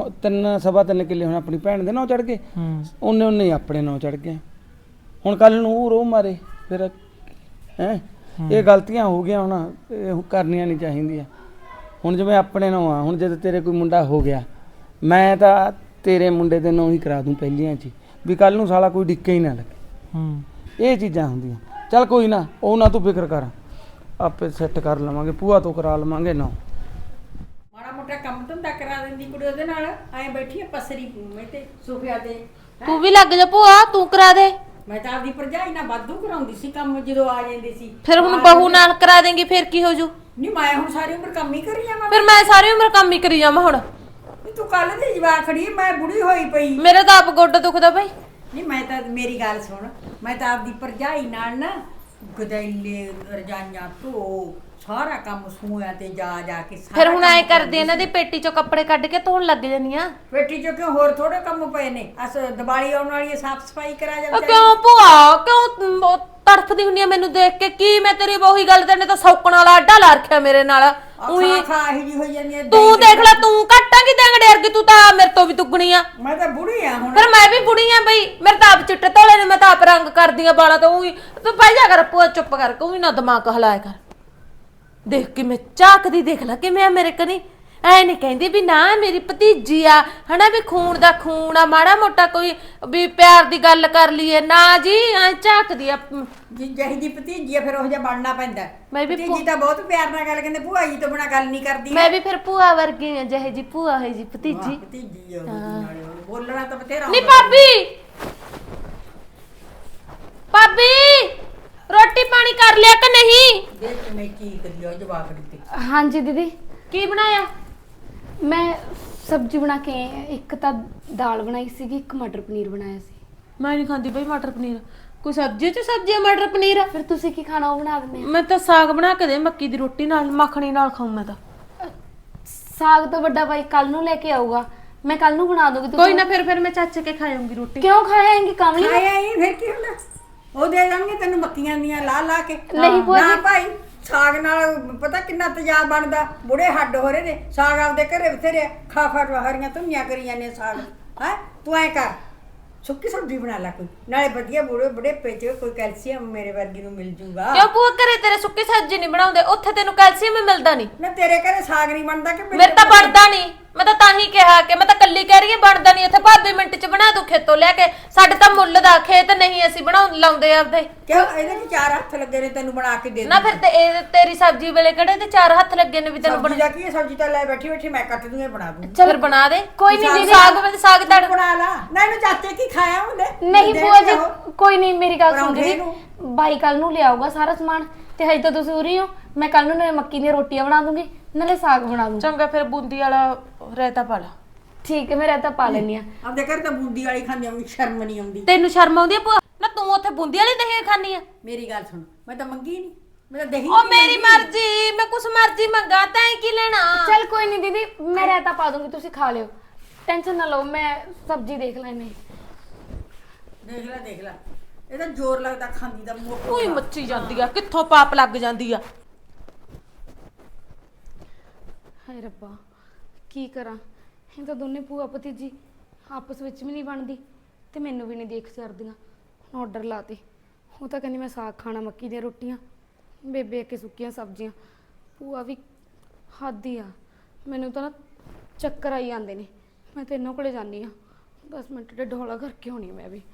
Speaker 3: 3.5 ਕਿੱਲੇ ਹੁਣ ਆਪਣੀ ਭੈਣ ਦੇ ਨਾਂ ਚੜ ਗਏ, ਉਹਨੇ ਹੀ ਆਪਣੇ ਨਾਂ ਚੜ ਗਏ, ਹੁਣ ਕੱਲ ਨੂੰ ਉਹ ਰੋ ਮਾਰੇ ਫਿਰ ਹੈ। ਇਹ ਗਲਤੀਆਂ ਹੋ ਗਈਆਂ, ਹੁਣ ਇਹ ਕਰਨੀਆਂ ਨਹੀਂ ਚਾਹੀਦੀਆਂ। ਹੁਣ ਜਿਵੇਂ ਆਪਣੇ ਨਾਂ ਆ, ਹੁਣ ਜਦੋਂ ਤੇਰੇ ਕੋਈ ਮੁੰਡਾ ਹੋ ਗਿਆ, ਮੈਂ ਤਾਂ ਤੇਰੇ ਮੁੰਡੇ ਦੇ ਨਾਂ ਹੀ ਕਰਾ ਦੂੰ ਪਹਿਲੀਆਂ 'ਚ, ਵੀ ਕੱਲ ਨੂੰ ਸਾਲਾ ਕੋਈ ਡਿੱਕੇ ਹੀ ਨਾ ਲੱਗੇ। ਇਹ ਚੀਜ਼ਾਂ ਹੁੰਦੀਆਂ, ਚੱਲ ਕੋਈ ਨਾ, ਉਹ ਨਾ ਤੂੰ ਫਿਕਰ ਕਰ, ਆਪੇ ਸੈੱਟ ਕਰ ਲਵਾਂਗੇ, ਭੂਆ ਤੋਂ ਕਰਾ ਲਵਾਂਗੇ ਨਾ।
Speaker 4: ਮਾੜਾ ਮੋਟਾ ਕੰਮ ਧੰਦਾ ਕਰਾ ਦਿੰਦੀ ਕੁੜੀ ਉਹਦੇ ਨਾਲ, ਐਂ ਬੈਠੀ ਆ ਪਸਰੀ ਮੈਂ ਤੇ ਸੋਫਿਆ ਤੇ,
Speaker 5: ਤੂੰ ਵੀ ਲੱਗ ਜਾ ਭੂਆ, ਤੂੰ ਕਰਾ ਦੇ।
Speaker 4: ਮੈਂ ਤਾਂ ਆਪਦੀ ਭਰਜਾਈ ਨਾਲ ਵਾਧੂ ਕਰਾਉਂਦੀ ਸੀ ਕੰਮ ਜਦੋਂ ਆ ਜਾਂਦੀ ਸੀ।
Speaker 5: ਫਿਰ ਹੁਣ ਬਹੂ ਨਾਲ ਕਰਾ ਦੇਂਗੀ, ਫਿਰ ਕੀ ਹੋ ਜੂ।
Speaker 4: ਨਹੀਂ ਮੈਂ ਹੁਣ ਸਾਰੀ ਉਮਰ ਕੰਮ ਹੀ ਕਰੀ ਜਾਵਾਂ,
Speaker 5: ਫਿਰ ਮੈਂ ਸਾਰੀ ਉਮਰ ਕੰਮ ਹੀ ਕਰੀ ਜਾਵਾਂ ਹੁਣ।
Speaker 4: ਤੂੰ ਕੱਲ ਦੀ ਜਵਾਕ ਖੜੀ, ਮੈਂ ਬੁੜੀ ਹੋਈ ਪਈ।
Speaker 5: ਮੇਰਾ ਤਾਂ ਆਪ ਗੋਡਾ ਦੁਖਦਾ ਬਈ।
Speaker 4: ਨਹੀਂ ਮੈਂ ਤਾਂ, ਮੇਰੀ ਗੱਲ ਸੁਣ, ਮੈਂ ਤਾਂ ਆਪਦੀ ਭਰਜਾਈ ਨਾਲ ਨਾ ਗਦੈਲੇ ਰਜਾਈਆਂ ਧੋ ਸਾਰਾ ਕੰਮ ਸੂਆਂ ਤੇ ਜਾ ਜਾ ਕੇ ਸਾਰਾ
Speaker 5: ਫਿਰ ਹੁਣ ਐ
Speaker 4: ਕੰਮ
Speaker 5: ਕਰਦੀ ਇਹਨਾਂ ਦੀ ਪੇਟੀ ਚੋਂ ਕੱਪੜੇ ਕੱਢ ਕੇ ਧੋਣ ਲੱਗ ਜਾਂਦੀਆਂ।
Speaker 4: ਪੇਟੀ ਚੋਂ ਕਿਉਂ, ਹੋਰ ਥੋੜੇ ਕੰਮ ਪਏ ਨੇ, ਅਸ ਦੀਵਾਲੀ ਆਉਣ ਵਾਲੀ ਹੈ, ਸਾਫ ਸਫਾਈ ਕਰਾ ਜਾ।
Speaker 5: ਕਿਉਂ ਭੂਆ, ਕਿਉਂ ਤੜਫਦੀ ਹੁੰਦੀ ਆ ਮੈਨੂੰ ਦੇਖ ਕੇ? ਕੀ ਮੈਂ ਤੇਰੀ ਉਹੀ ਗੱਲ, ਤੈਨੇ ਤਾਂ ਸੌਕਣ ਵਾਲਾ ਆਡਾ ਲਾ ਰੱਖਿਆ ਮੇਰੇ ਨਾਲ। ਉਹੀ
Speaker 4: ਖਾਹੀ ਜੀ ਹੋਈ ਜਾਂਦੀ ਹੈ।
Speaker 5: ਤੂੰ ਦੇਖ ਲੈ, ਤੂੰ ਘਟਾਂਗੀ ਦੇਂਗੜੇ ਵਰਗੀ, ਤੂੰ ਤਾਂ ਮੇਰੇ ਤੋਂ ਵੀ ਦੁੱਗਣੀ ਆ।
Speaker 4: ਮੈਂ ਤਾਂ ਬੁੜੀ ਆ ਹੁਣ।
Speaker 5: ਫਿਰ ਮੈਂ ਵੀ ਬੁੜੀ ਆ ਬਈ, ਮੇਰੇ ਤਾਂ ਆਪ ਚਿੱਟੇ ਧੋਲੇ ਨੇ, ਮੈਂ ਤਾਂ ਆਪ ਰੰਗ ਕਰਦੀ ਆ ਬਾਲਾਂ ਤੋਂ। ਉਹੀ ਤੂੰ ਬਹਿ ਜਾ ਕਰ ਭੂਆ, ਚੁੱਪ ਕਰ, ਕੋਈ ਨਾ ਦਿਮਾਗ ਹਲਾਇਆ ਕਰ। ਦੇਖ ਕੇ ਮੈਂ ਝਾਕਦੀ, ਦੇਖ ਲੈ ਕਿਵੇਂ ਆ ਮੇਰੇ ਕਨੀ। ਐ ਨਹੀਂ ਕਹਿੰਦੀ ਵੀ ਨਾ ਮੇਰੀ ਭਤੀਜੀ ਆ ਹਨਾ, ਵੀ ਖੂਨ ਦਾ ਖੂਨ ਆ, ਮਾੜਾ ਮੋਟਾ ਕੋਈ ਵੀ ਪਿਆਰ ਦੀ ਗੱਲ ਕਰ ਲਈਏ ਨਾ ਜੀ, ਐ ਝਾਕਦੀ ਆ।
Speaker 4: ਜਿਹੀ ਜੀ ਭਤੀਜੀ ਆ ਫਿਰ ਉਹ ਜਿਹਾ ਬਣਨਾ ਪੈਂਦਾ।
Speaker 5: ਮੈਂ ਵੀ
Speaker 4: ਭਤੀਜੀ ਤਾਂ ਬਹੁਤ ਪਿਆਰ ਨਾਲ ਗੱਲ ਕਹਿੰਦੇ, ਭੂਆ ਜੀ ਤੋਂ ਬਿਨਾਂ ਗੱਲ ਨਹੀਂ ਕਰਦੀ।
Speaker 5: ਮੈਂ ਵੀ ਫਿਰ ਭੂਆ ਵਰਗੀ ਆ, ਜਿਹੇ ਜੀ ਭੂਆ ਹੈ ਜੀ ਭਤੀਜੀ।
Speaker 4: ਭਤੀਜੀ ਆ ਉਹਦੀ ਨਾਲੇ, ਬੋਲਣਾ ਤਾਂ ਬਥੇਰਾ
Speaker 5: ਨਹੀਂ ਭਾਬੀ, ਭਾਬੀ ਰੋਟੀ ਪਾਣੀ ਕਰ ਲਿਆ ਕਿ ਨਹੀਂ?
Speaker 4: ਦੇਖ ਮੈਂ ਕੀ ਕਰੀ ਉਹ ਜਵਾਬ ਦਿੱਤੇ।
Speaker 1: ਹਾਂਜੀ ਦੀਦੀ,
Speaker 5: ਕੀ ਬਣਾਇਆ?
Speaker 1: ਮੈਂ ਸਬਜ਼ੀ ਬਣਾ ਕੇ ਆਈ ਹਾਂ। ਇੱਕ ਤਾਂ ਦਾਲ ਬਣਾਈ ਸੀਗੀ, ਇੱਕ ਮਟਰ ਪਨੀਰ ਬਣਾਇਆ ਸੀ।
Speaker 5: ਮੈਂ ਨਹੀਂ ਖਾਂਦੀ ਬਈ ਮਟਰ ਪਨੀਰ। ਕੋਈ ਸਬਜ਼ੀ ਚ ਸਬਜ਼ੀ ਆ, ਮਟਰ ਪਨੀਰ।
Speaker 1: ਫਿਰ ਤੁਸੀਂ ਕੀ ਖਾਣਾ ਉਹ ਬਣਾ ਦਿੰਦੇ
Speaker 5: ਮੈਂ ਤਾਂ ਸਾਗ ਬਣਾ ਕੇ ਦੇ, ਮੱਕੀ ਦੀ ਰੋਟੀ ਨਾਲ, ਮੱਖਣੀ ਨਾਲ ਖਾਉ ਮੈਂ ਤਾਂ।
Speaker 1: ਆ। ਸਾਗ ਤਾਂ ਵੱਡਾ ਭਾਈ ਕੱਲ ਨੂੰ ਲੈ ਕੇ ਆਊਗਾ, ਮੈਂ ਕੱਲ ਨੂੰ ਬਣਾ ਦੂੰਗੀ।
Speaker 5: ਕੋਈ ਨਾ, ਫਿਰ ਮੈਂ ਚਾਚੇ ਕੇ ਖਾਉਂਗੀ ਰੋਟੀ।
Speaker 1: ਕਿਉਂ ਖਾਏਂਗੇ ਕਮਲੀ?
Speaker 4: ਆਇਆ ਹੀ ਫਿਰ ਕੀ ਹੁੰਦਾ, ਉਹ ਦੇ ਦੇਣਗੇ ਤੈਨੂੰ ਮੱਕੀਆਂ ਦੀਆਂ ਲਾ ਲਾ ਕੇ।
Speaker 1: ਨਹੀਂ ਭੂਆ
Speaker 4: ਨਾ
Speaker 1: ਜੀ।
Speaker 4: ਭਾਈ, ਸਾਗ ਨਾਲ ਪਤਾ ਕਿੰਨਾ ਤੇਜ਼ਾਬ ਬਣਦਾ, ਬੁੜੇ ਹੱਡ ਹੋ ਰਹੇ ਨੇ। ਸਾਗ ਆਪਦੇ ਘਰੇ ਬਥੇਰੇ ਖਾ ਖਾ ਹਰੀਆਂ ਧੁੰਨੀਆਂ ਕਰੀ ਜਾਂਦੇ ਸਾਗ। ਹੈ ਤੂੰ ਐ ਕਰ, ਸੁੱਕੀ ਸਬਜ਼ੀ ਬਣਾ ਲੈ ਕੋਈ, ਨਾਲੇ ਵਧੀਆ ਬੁੜੇ ਪੇਚ ਕੋਈ ਕੈਲਸ਼ੀਅਮ ਮੇਰੇ ਵਰਗੀ ਨੂੰ ਮਿਲ ਜੂਗਾ।
Speaker 5: ਕਿਉਂ ਭੂਆ ਘਰੇ ਤੇਰੇ ਸੁੱਕੀ ਸਬਜ਼ੀ ਨਹੀਂ ਬਣਾਉਂਦੇ? ਉੱਥੇ ਤੈਨੂੰ ਕੈਲਸ਼ੀਅਮ ਮਿਲਦਾ ਨਹੀਂ?
Speaker 4: ਨਾ ਤੇਰੇ ਘਰੇ ਸਾਗ ਨਹੀਂ ਬਣਦਾ ਕਿ
Speaker 5: ਮੇਰੇ ਤਾਂ ਬਣਦਾ ਨਹੀਂ। ਮੈਂ ਤਾਂ ਹੀ ਕਿਹਾ ਕਿ ਮੈਂ ਤਾਂ ਕੱਲੀ ਕਹਿ ਰਹੀ ਹਾਂ ਬਣਦਾ ਨਹੀਂ ਇੱਥੇ ਭਾਬੀ ਮਿੰਟ 'ਚ ਬਣਾ ਦੂ ਖੇਤੋਂ ਲੈ ਕੇ। ਸਾਡੇ ਤਾਂ ਮੁੱਲ ਦਾ ਖੇਤ ਨਹੀਂ, ਅਸੀਂ ਲਾਉਂਦੇ ਆਪਦੇ।
Speaker 4: ਕਿਉਂ ਇਹਦੇ 'ਚ 4 ਹੱਥ ਲੱਗੇ ਨੇ ਤੈਨੂੰ ਬਣਾ ਕੇ ਦੇ
Speaker 5: ਨਾ ਫਿਰ ਤੇ ਇਹ ਤੇਰੀ ਸਬਜ਼ੀ ਵੇਲੇ ਕਿਹੜੇ ਤੇ 4 ਹੱਥ ਲੱਗੇ ਨੇ ਵੀ ਤੈਨੂੰ
Speaker 4: ਸਬਜ਼ੀ ਦਾ ਕੀ ਹੈ? ਸਬਜ਼ੀ ਤਾਂ ਲੈ ਬੈਠੀ ਬੈਠੀ ਮੈਂ ਕੱਟ ਦੂੰਗੀ ਬਣਾ ਦੂੰਗੀ।
Speaker 5: ਫਿਰ ਬਣਾ ਦੇ।
Speaker 1: ਕੋਈ ਨਹੀਂ ਦੀਦੀ,
Speaker 5: ਸਾਗ ਤੜ
Speaker 4: ਬਣਾ ਲਾ ਨਾ। ਇਹਨੂੰ ਚਾਚੇ ਕੀ ਖਾਇਆ ਉਹਨੇ?
Speaker 1: ਨਹੀਂ
Speaker 4: ਦੇ
Speaker 1: ਭੂਆ ਜੀ
Speaker 4: ਦਿਓ।
Speaker 1: ਕੋਈ ਨਹੀਂ, ਮੇਰੀ ਗੱਲ ਸੁਣ
Speaker 4: ਪਰੌਂਠੇ
Speaker 1: ਜੀ। ਬਾਈ ਕੱਲ ਨੂੰ ਲਿਆਊਗਾ ਸਾਰਾ ਸਮਾਨ ਤੇ ਹਜੇ ਤਾਂ ਤੁਸੀਂ ਉਰੀ ਹੋ। ਮੈਂ ਕੱਲ ਨੂੰ ਨਾਲੇ ਮੱਕੀ ਦੀਆਂ ਰੋਟੀਆਂ ਬਣਾ ਦੂੰਗੀ ਨਾਲੇ ਸਾਗ ਬਣਾ ਦੂੰਗੀ।
Speaker 5: ਚੰਗਾ ਫਿਰ ਬੂੰਦੀ ਵਾਲਾ ਰਾਇਤਾ ਪਾ ਲਾ।
Speaker 1: ਠੀਕ ਹੈ, ਮੈਂ ਰਾਇਤਾ ਪਾ ਲੈਣੀ ਆ।
Speaker 4: ਆਪਦੇ ਘਰ ਤਾਂ ਬੂੰਦੀ ਵਾਲੀ ਖਾਂਦੀ ਆ, ਮੈਨੂੰ ਸ਼ਰਮ ਨਹੀਂ ਆਉਂਦੀ।
Speaker 5: ਤੈਨੂੰ ਸ਼ਰਮ ਆਉਂਦੀ ਆ ਭੂਆ? ਨਾ ਤੂੰ ਉੱਥੇ ਬੂੰਦੀ ਵਾਲੀ ਦਹੀਂ ਖਾਣੀ ਆ?
Speaker 4: ਮੇਰੀ ਗੱਲ ਸੁਣ, ਮੈਂ ਤਾਂ ਮੰਗੀ ਨਹੀਂ, ਮੈਂ ਤਾਂ ਦਹੀਂ
Speaker 5: ਉਹ ਮੇਰੀ ਮਰਜ਼ੀ, ਮੈਂ ਕੁਛ ਮਰਜ਼ੀ ਮੰਗਾ, ਤੈਂ ਕੀ ਲੈਣਾ?
Speaker 1: ਚੱਲ ਕੋਈ ਨਹੀਂ ਦੀਦੀ, ਮੈਂ ਰਾਇਤਾ ਪਾ ਦੂੰਗੀ, ਤੁਸੀਂ ਖਾ ਲਿਓ, ਟੈਨਸ਼ਨ ਨਾ ਲਓ। ਮੈਂ ਸਬਜ਼ੀ ਦੇਖ ਲੈਣੀ।
Speaker 4: ਦੇਖ ਲੈ ਇਹਦਾ ਜ਼ੋਰ ਲੱਗਦਾ ਖਾਂਦੀ ਦਾ ਮੂੰਹ
Speaker 5: ਕੋਈ ਮੱਚੀ ਜਾਂਦੀ ਆ, ਕਿੱਥੋਂ ਪਾਪ ਲੱਗ ਜਾਂਦੀ ਆ।
Speaker 1: ਹਾਏ ਰੱਬਾ, ਕੀ ਕਰਾਂ? ਇਹ ਤਾਂ ਦੋਨੇ ਭੂਆ ਭਤੀਜੀ ਆਪਸ ਵਿੱਚ ਵੀ ਨਹੀਂ ਬਣਦੀ ਤੇ ਮੈਨੂੰ ਵੀ ਨਹੀਂ ਦੇਖ ਸਕਦੀਆਂ। ਆਰਡਰ ਲਾਤੇ, ਉਹ ਤਾਂ ਕਹਿੰਦੀ ਮੈਂ ਸਾਗ ਖਾਣਾ, ਮੱਕੀ ਦੀਆਂ ਰੋਟੀਆਂ, ਬੇਬੇ ਅੱਗੇ ਸੁੱਕੀਆਂ ਸਬਜ਼ੀਆਂ। ਭੂਆ ਵੀ ਹੱਦ ਹੀ ਆ। ਮੈਨੂੰ ਤਾਂ ਨਾ ਚੱਕਰ ਆਈ ਜਾਂਦੇ ਨੇ। ਮੈਂ ਤਾਂ ਇਹਨਾਂ ਕੋਲੇ ਜਾਂਦੀ ਆ, 10 ਮਿੰਟ ਦੇ ਢੋਲਾ ਕਰਕੇ ਆਉਣੀ ਮੈਂ ਵੀ।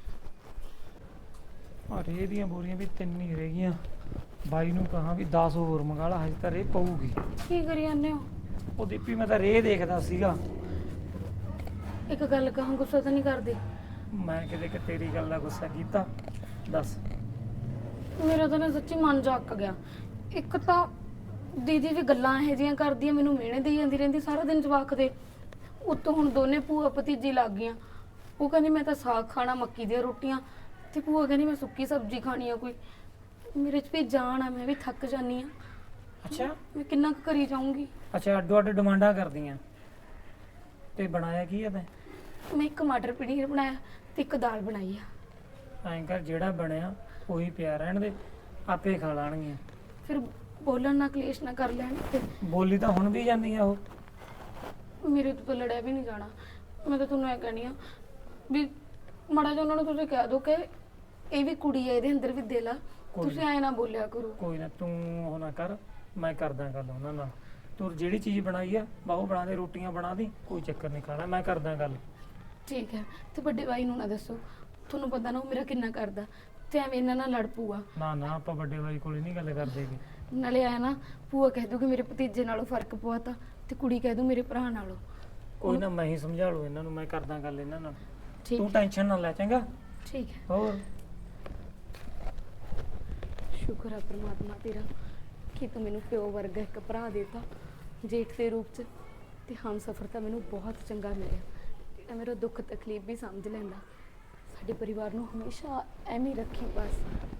Speaker 2: ਔਰ ਇਹਦੀਆਂ ਬੋਰੀਆਂ ਵੀ 3 ਹੀ ਰਹਿ ਗਈਆਂ। ਬਾਈ ਨੂੰ ਕਹਾਂ ਵੀ 10 ਹੋਰ ਮੰਗਾ ਲਾ, ਹਜੇ ਤਾਂ ਰੇ ਪਊਗੀ।
Speaker 1: ਕੀ ਕਰੀ ਜਾਂਦੇ ਹੋ?
Speaker 2: ਉਹ ਦੀਪੀ ਮੈਂ ਤਾਂ ਰੇ ਦੇਖਦਾ ਸੀਗਾ।
Speaker 1: ਇੱਕ ਗੱਲ ਕਹਾਂ, ਗੁੱਸਾ ਤਾਂ ਨਹੀਂ ਕਰਦੇ?
Speaker 2: ਮੈਂ ਕਿਤੇ ਕਿ ਤੇਰੀ ਗੱਲ ਦਾ ਗੁੱਸਾ ਕੀਤਾ? ਦੱਸ।
Speaker 1: ਮੇਰਾ ਤਾਂ ਨਾ ਸੱਚੀ ਮਨ ਜਾ ਅੱਕ ਗਿਆ। ਇੱਕ ਤਾਂ ਦੀਦੀ ਵੀ ਗੱਲਾਂ ਇਹੋ ਜਿਹੀਆਂ ਕਰਦੀ ਆ, ਮੈਨੂੰ ਮਿਹਣੇ ਦੇਈ ਜਾਂਦੀ ਰਹਿੰਦੀ ਸਾਰਾ ਦਿਨ ਜਵਾਕ ਦੇ। ਉੱਤੋਂ ਹੁਣ ਦੋਨੇ ਭੂਆ ਭਤੀਜੀ ਲੱਗ ਗਈਆਂ। ਉਹ ਕਹਿੰਦੀ ਮੈਂ ਤਾਂ ਸਾਗ ਖਾਣਾ, ਮੱਕੀ ਦੀਆਂ ਰੋਟੀਆਂ, ਤੇ ਭੂਆ ਕਹਿੰਦੀ ਮੈਂ ਸੁੱਕੀ ਸਬਜ਼ੀ ਖਾਣੀ ਆ ਕੋਈ। ਮੇਰੇ 'ਚ ਵੀ ਜਾਨ ਆ, ਮੈਂ ਵੀ ਥੱਕ ਜਾਨੀ ਆ।
Speaker 2: ਅੱਛਾ
Speaker 1: ਮੈਂ ਕਿੰਨਾ ਕੁ ਕਰੀ ਜਾਊਂਗੀ?
Speaker 2: ਅੱਛਾ, ਅੱਡੋ ਅੱਡ ਡਿਮਾਂਡਾਂ ਕਰਦੀਆਂ। ਤੇ ਬਣਾਇਆ ਕੀ ਆ ਤੈਂ?
Speaker 1: ਮੈਂ ਇੱਕ ਮਟਰ ਪਨੀਰ ਬਣਾਇਆ ਤੇ ਇੱਕ ਦਾਲ ਬਣਾਈ ਆ।
Speaker 2: ਐਂ ਕਰ, ਜਿਹੜਾ ਬਣਿਆ ਉਹੀ ਪਿਆ ਰਹਿਣ ਦੇ, ਆਪੇ ਖਾ ਲਾਣਗੀਆਂ।
Speaker 1: ਫਿਰ ਬੋਲਣ ਨਾ, ਕਲੇਸ਼ ਨਾ ਕਰ ਲੈਣ ਤੇ
Speaker 2: ਬੋਲੀ ਤਾਂ ਹੁਣ ਵੀ ਜਾਂਦੀ ਆ ਉਹ।
Speaker 1: ਮੇਰੇ ਤੋਂ ਤਾਂ ਲੜਿਆ ਵੀ ਨਹੀਂ ਜਾਣਾ। ਮੈਂ ਤਾਂ ਤੁਹਾਨੂੰ ਇਹ ਕਹਿਣੀ ਆ ਵੀ ਮਾੜਾ ਜਿਹਾ ਉਹਨਾਂ ਨੂੰ ਤੁਸੀਂ ਕਹਿ ਦਿਓ ਕਿ ਇਹ ਵੀ ਕੁੜੀ ਹੈ, ਇਹਦੇ ਅੰਦਰ ਵੀ ਦਿਲ ਆ। ਤੁਸੀਂ ਐ ਨਾ ਬੋਲਿਆ ਕਰੋ।
Speaker 2: ਕੋਈ ਨਾ, ਤੂੰ ਉਹ ਨਾ ਕਰ, ਮੈਂ ਕਰਦਾ ਗੱਲ ਉਹਨਾਂ ਨਾਲ। ਤੂੰ ਜਿਹੜੀ ਚੀਜ਼ ਬਣਾਈ ਆ ਬਾਹੂ ਬਣਾ ਦੇ, ਰੋਟੀਆਂ ਬਣਾ ਦੀ, ਕੋਈ ਚੱਕਰ ਨਹੀਂ, ਖਾਣਾ ਮੈਂ ਕਰਦਾ ਗੱਲ।
Speaker 1: ਠੀਕ ਹੈ। ਤੇ ਵੱਡੇ ਭਾਈ ਨੂੰ ਨਾ ਦੱਸੋ, ਤੁਹਾਨੂੰ ਪਤਾ ਨਾ ਉਹ ਮੇਰਾ ਕਿੰਨਾ ਕਰਦਾ, ਤੇ ਐਵੇਂ ਇਹਨਾਂ ਨਾਲ ਲੜ ਪੂਆ।
Speaker 2: ਨਾ ਨਾ, ਆਪਾਂ ਵੱਡੇ ਬਾਈ ਕੋਲੇ ਨਹੀਂ ਗੱਲ ਕਰਦੇ ਗੇ।
Speaker 1: ਨਾਲੇ ਆਇਆ ਨਾ, ਭੂਆ ਕਹਿ ਦੂਗੀ ਮੇਰੇ ਭਤੀਜੇ ਨਾਲੋਂ ਫਰਕ ਪਵਾਤਾ, ਤੇ ਕੁੜੀ ਕਹਿ ਦੂ ਮੇਰੇ ਭਰਾ ਨਾਲੋਂ।
Speaker 2: ਕੋਈ ਨਾ, ਮੈਂ ਹੀ ਸਮਝਾ ਲੂ ਇਹਨਾਂ ਨੂੰ, ਮੈਂ ਕਰਦਾ ਗੱਲ ਇਹਨਾਂ ਨਾਲ।
Speaker 1: ਠੀਕ
Speaker 2: ਤੂੰ
Speaker 1: ਹੈ।
Speaker 2: ਟੈਨਸ਼ਨ ਨਾ ਲੈ, ਚੰਗਾ?
Speaker 1: ਠੀਕ ਹੈ।
Speaker 2: ਹੋਰ
Speaker 1: ਸ਼ੁਕਰ ਹੈ ਪ੍ਰਮਾਤਮਾ ਤੇਰਾ ਕਿ ਤੂੰ ਮੈਨੂੰ ਪਿਓ ਵਰਗਾ ਇੱਕ ਭਰਾ ਦੇਤਾ ਜੇਠ ਦੇ ਰੂਪ 'ਚ, ਤੇ ਹਮਸਫਰ ਤਾਂ ਮੈਨੂੰ ਬਹੁਤ ਚੰਗਾ ਮਿਲਿਆ, ਜਿਹੜਾ ਮੇਰਾ ਦੁੱਖ ਤਕਲੀਫ ਵੀ ਸਮਝ ਲੈਂਦਾ। ਸਾਡੇ ਪਰਿਵਾਰ ਨੂੰ ਹਮੇਸ਼ਾ ਐਵੇਂ ਹੀ ਰੱਖੀ ਬਸ।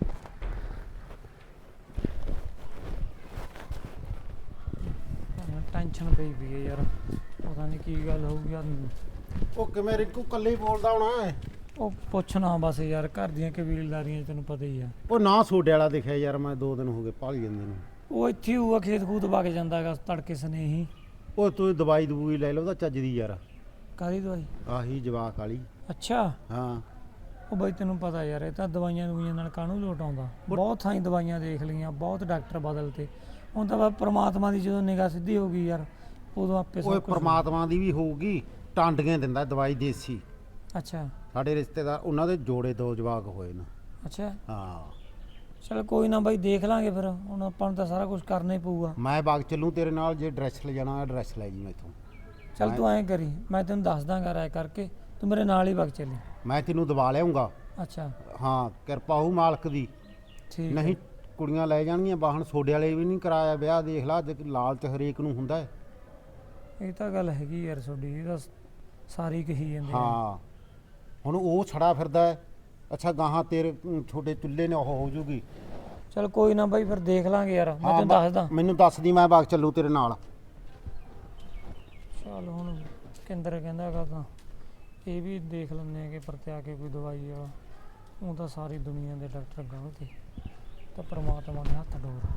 Speaker 2: ਟੈਨਸ਼ਨ ਪਈ ਵੀ ਹੈ ਯਾਰ, ਪਤਾ ਨਹੀਂ ਕੀ ਗੱਲ ਹੋਊਗੀ ਯਾਰ।
Speaker 6: ਉਹ ਕਿਵੇਂ ਰਿੰਕੂ ਕੱਲੇ ਹੀ ਬੋਲਦਾ ਹੋਣਾ ਹੈ?
Speaker 2: ਉਹ ਪੁੱਛਣਾ ਬਸ ਯਾਰ, ਘਰ ਦੀਆਂ ਕਬੀਲਦਾਰੀਆਂ ਤੈਨੂੰ ਪਤਾ ਹੀ ਆ।
Speaker 6: ਉਹ ਨਾ ਸੋਡੇ ਵਾਲਾ ਦਿਖਿਆ ਯਾਰ, ਮੈਂ 2 ਦਿਨ ਹੋ ਗਏ ਭਾਲ ਜਾਂਦੇ ਨੂੰ।
Speaker 2: ਉਹ ਇੱਥੇ ਹੀ ਹੋਊਗਾ, ਖੇਤ ਖੂਤ ਵਗ ਜਾਂਦਾ ਹੈਗਾ ਤੜਕੇ ਸਨੇਹੀ।
Speaker 6: ਉਹ ਤੂੰ ਦਵਾਈ ਦਵੂਈ ਲੈ ਲਓ ਉਹਦਾ ਚੱਜ ਦੀ ਯਾਰ,
Speaker 2: ਕਾਹਦੀ ਦਵਾਈ?
Speaker 6: ਆਹੀ ਜਵਾਕ ਵਾਲੀ।
Speaker 2: ਅੱਛਾ,
Speaker 6: ਹਾਂ
Speaker 2: ਉਹ ਬਈ ਤੈਨੂੰ ਪਤਾ ਯਾਰ, ਇਹ ਤਾਂ ਦਵਾਈਆਂ ਦਵਾਈਆਂ ਨਾਲ ਕਾਹਨੂੰ ਲੋਟ ਆਉਂਦਾ। ਬਹੁਤ ਥਾਈਂ ਦਵਾਈਆਂ ਦੇਖ ਲਈਆਂ, ਬਹੁਤ ਡਾਕਟਰ ਬਦਲਤੇ। ਹੁਣ ਤਾਂ ਬਸ ਪ੍ਰਮਾਤਮਾ ਦੀ ਜਦੋਂ ਨਿਗਾਹ ਸਿੱਧੀ ਹੋ ਗਈ ਯਾਰ, ਉਦੋਂ ਆਪੇ
Speaker 6: ਓਏ
Speaker 2: ਸਭ ਕੁਝ।
Speaker 6: ਪ੍ਰਮਾਤਮਾ ਦੀ ਵੀ ਹੋਊਗੀ, ਟਾਂਡੀਆਂ ਦਿੰਦਾ ਦਵਾਈ ਦੇਸੀ।
Speaker 2: ਅੱਛਾ
Speaker 6: ਸਾਡੇ ਰਿਸ਼ਤੇਦਾਰ ਉਹਨਾਂ ਦੇ ਜੋੜੇ 2 ਜਵਾਕ ਹੋਏ ਨੇ।
Speaker 2: ਅੱਛਾ,
Speaker 6: ਹਾਂ
Speaker 2: ਚਲ ਕੋਈ ਨਾ ਬਾਈ, ਦੇਖ ਲਾਂਗੇ ਫਿਰ। ਹੁਣ ਆਪਾਂ ਨੂੰ ਤਾਂ ਸਾਰਾ ਕੁਝ ਕਰਨਾ ਹੀ ਪਊਗਾ।
Speaker 6: ਮੈਂ ਬਾਗ ਚੱਲੂ ਤੇਰੇ ਨਾਲ, ਜੇ ਡਰੈਸ ਲੈ ਜਾਣਾ ਡਰੈਸ ਲੈ ਜੀ ਮੈਥੋਂ।
Speaker 2: ਚਲ ਤੂੰ ਐਂ ਕਰੀ, ਮੈਂ ਤੈਨੂੰ ਦੱਸ ਦਾਂਗਾ ਰਾਏ ਕਰਕੇ, ਤੂੰ ਮੇਰੇ ਨਾਲ ਹੀ ਵਗ ਚੱਲੀ।
Speaker 6: ਮੈਂ ਤੈਨੂੰ ਦਵਾ ਲਿਆਉਂਗਾ।
Speaker 2: ਅੱਛਾ
Speaker 6: ਹਾਂ ਕਿਰਪਾ ਹੋਊ ਮਾਲਕ ਦੀ।
Speaker 2: ਠੀਕ ਹੈ।
Speaker 6: ਨਹੀਂ ਕੁੜੀਆਂ ਲੈ ਜਾਣਗੀਆਂ ਬਾਹਣ, ਸੋਡੇ ਵਾਲੇ ਵੀ ਨਹੀਂ ਕਰਾਇਆ ਵਿਆਹ। ਦੇਖ ਲਾ, ਅੱਜ ਲਾਲਚ ਹਰੇਕ ਨੂੰ ਹੁੰਦਾ ਹੈ।
Speaker 2: ਇਹ ਤਾਂ ਗੱਲ ਹੈਗੀ ਯਾਰ ਤੁਹਾਡੀ, ਇਹ ਤਾਂ ਸਾਰੀ ਕਹੀ ਜਾਂਦੇ ਆ।
Speaker 6: ਹਾਂ ਹੁਣ ਉਹ ਛੜਾ ਫਿਰਦਾ ਹੈ। ਅੱਛਾ ਗਾਹਾਂ ਤੇਰੇ ਛੋਟੇ ਚੁੱਲ੍ਹੇ ਨੇ ਉਹ ਹੋ ਜੂਗੀ।
Speaker 2: ਚਲ ਕੋਈ ਨਾ ਬਾਈ, ਫਿਰ ਦੇਖ ਲਾਂਗੇ ਯਾਰ, ਮੈਂ ਤੈਨੂੰ ਦੱਸਦਾ।
Speaker 6: ਮੈਨੂੰ ਦੱਸਦੀ, ਮੈਂ ਬਾਗ ਚੱਲੂ ਤੇਰੇ ਨਾਲ।
Speaker 2: ਚਲ ਹੁਣ ਕੇਂਦਰ ਕਹਿੰਦਾ ਹੈਗਾ ਤਾਂ ਇਹ ਵੀ ਦੇਖ ਲੈਂਦੇ ਆ ਕਿ ਪਰਤਿਆ ਕੇ ਕੋਈ ਦਵਾਈ ਵਾਲਾ। ਉਹ ਤਾਂ ਸਾਰੀ ਦੁਨੀਆ ਦੇ ਡਾਕਟਰ ਗਲਤ ਤੇ, ਤਾਂ ਪਰਮਾਤਮਾ ਦੇ ਹੱਥ ਡੋਰ।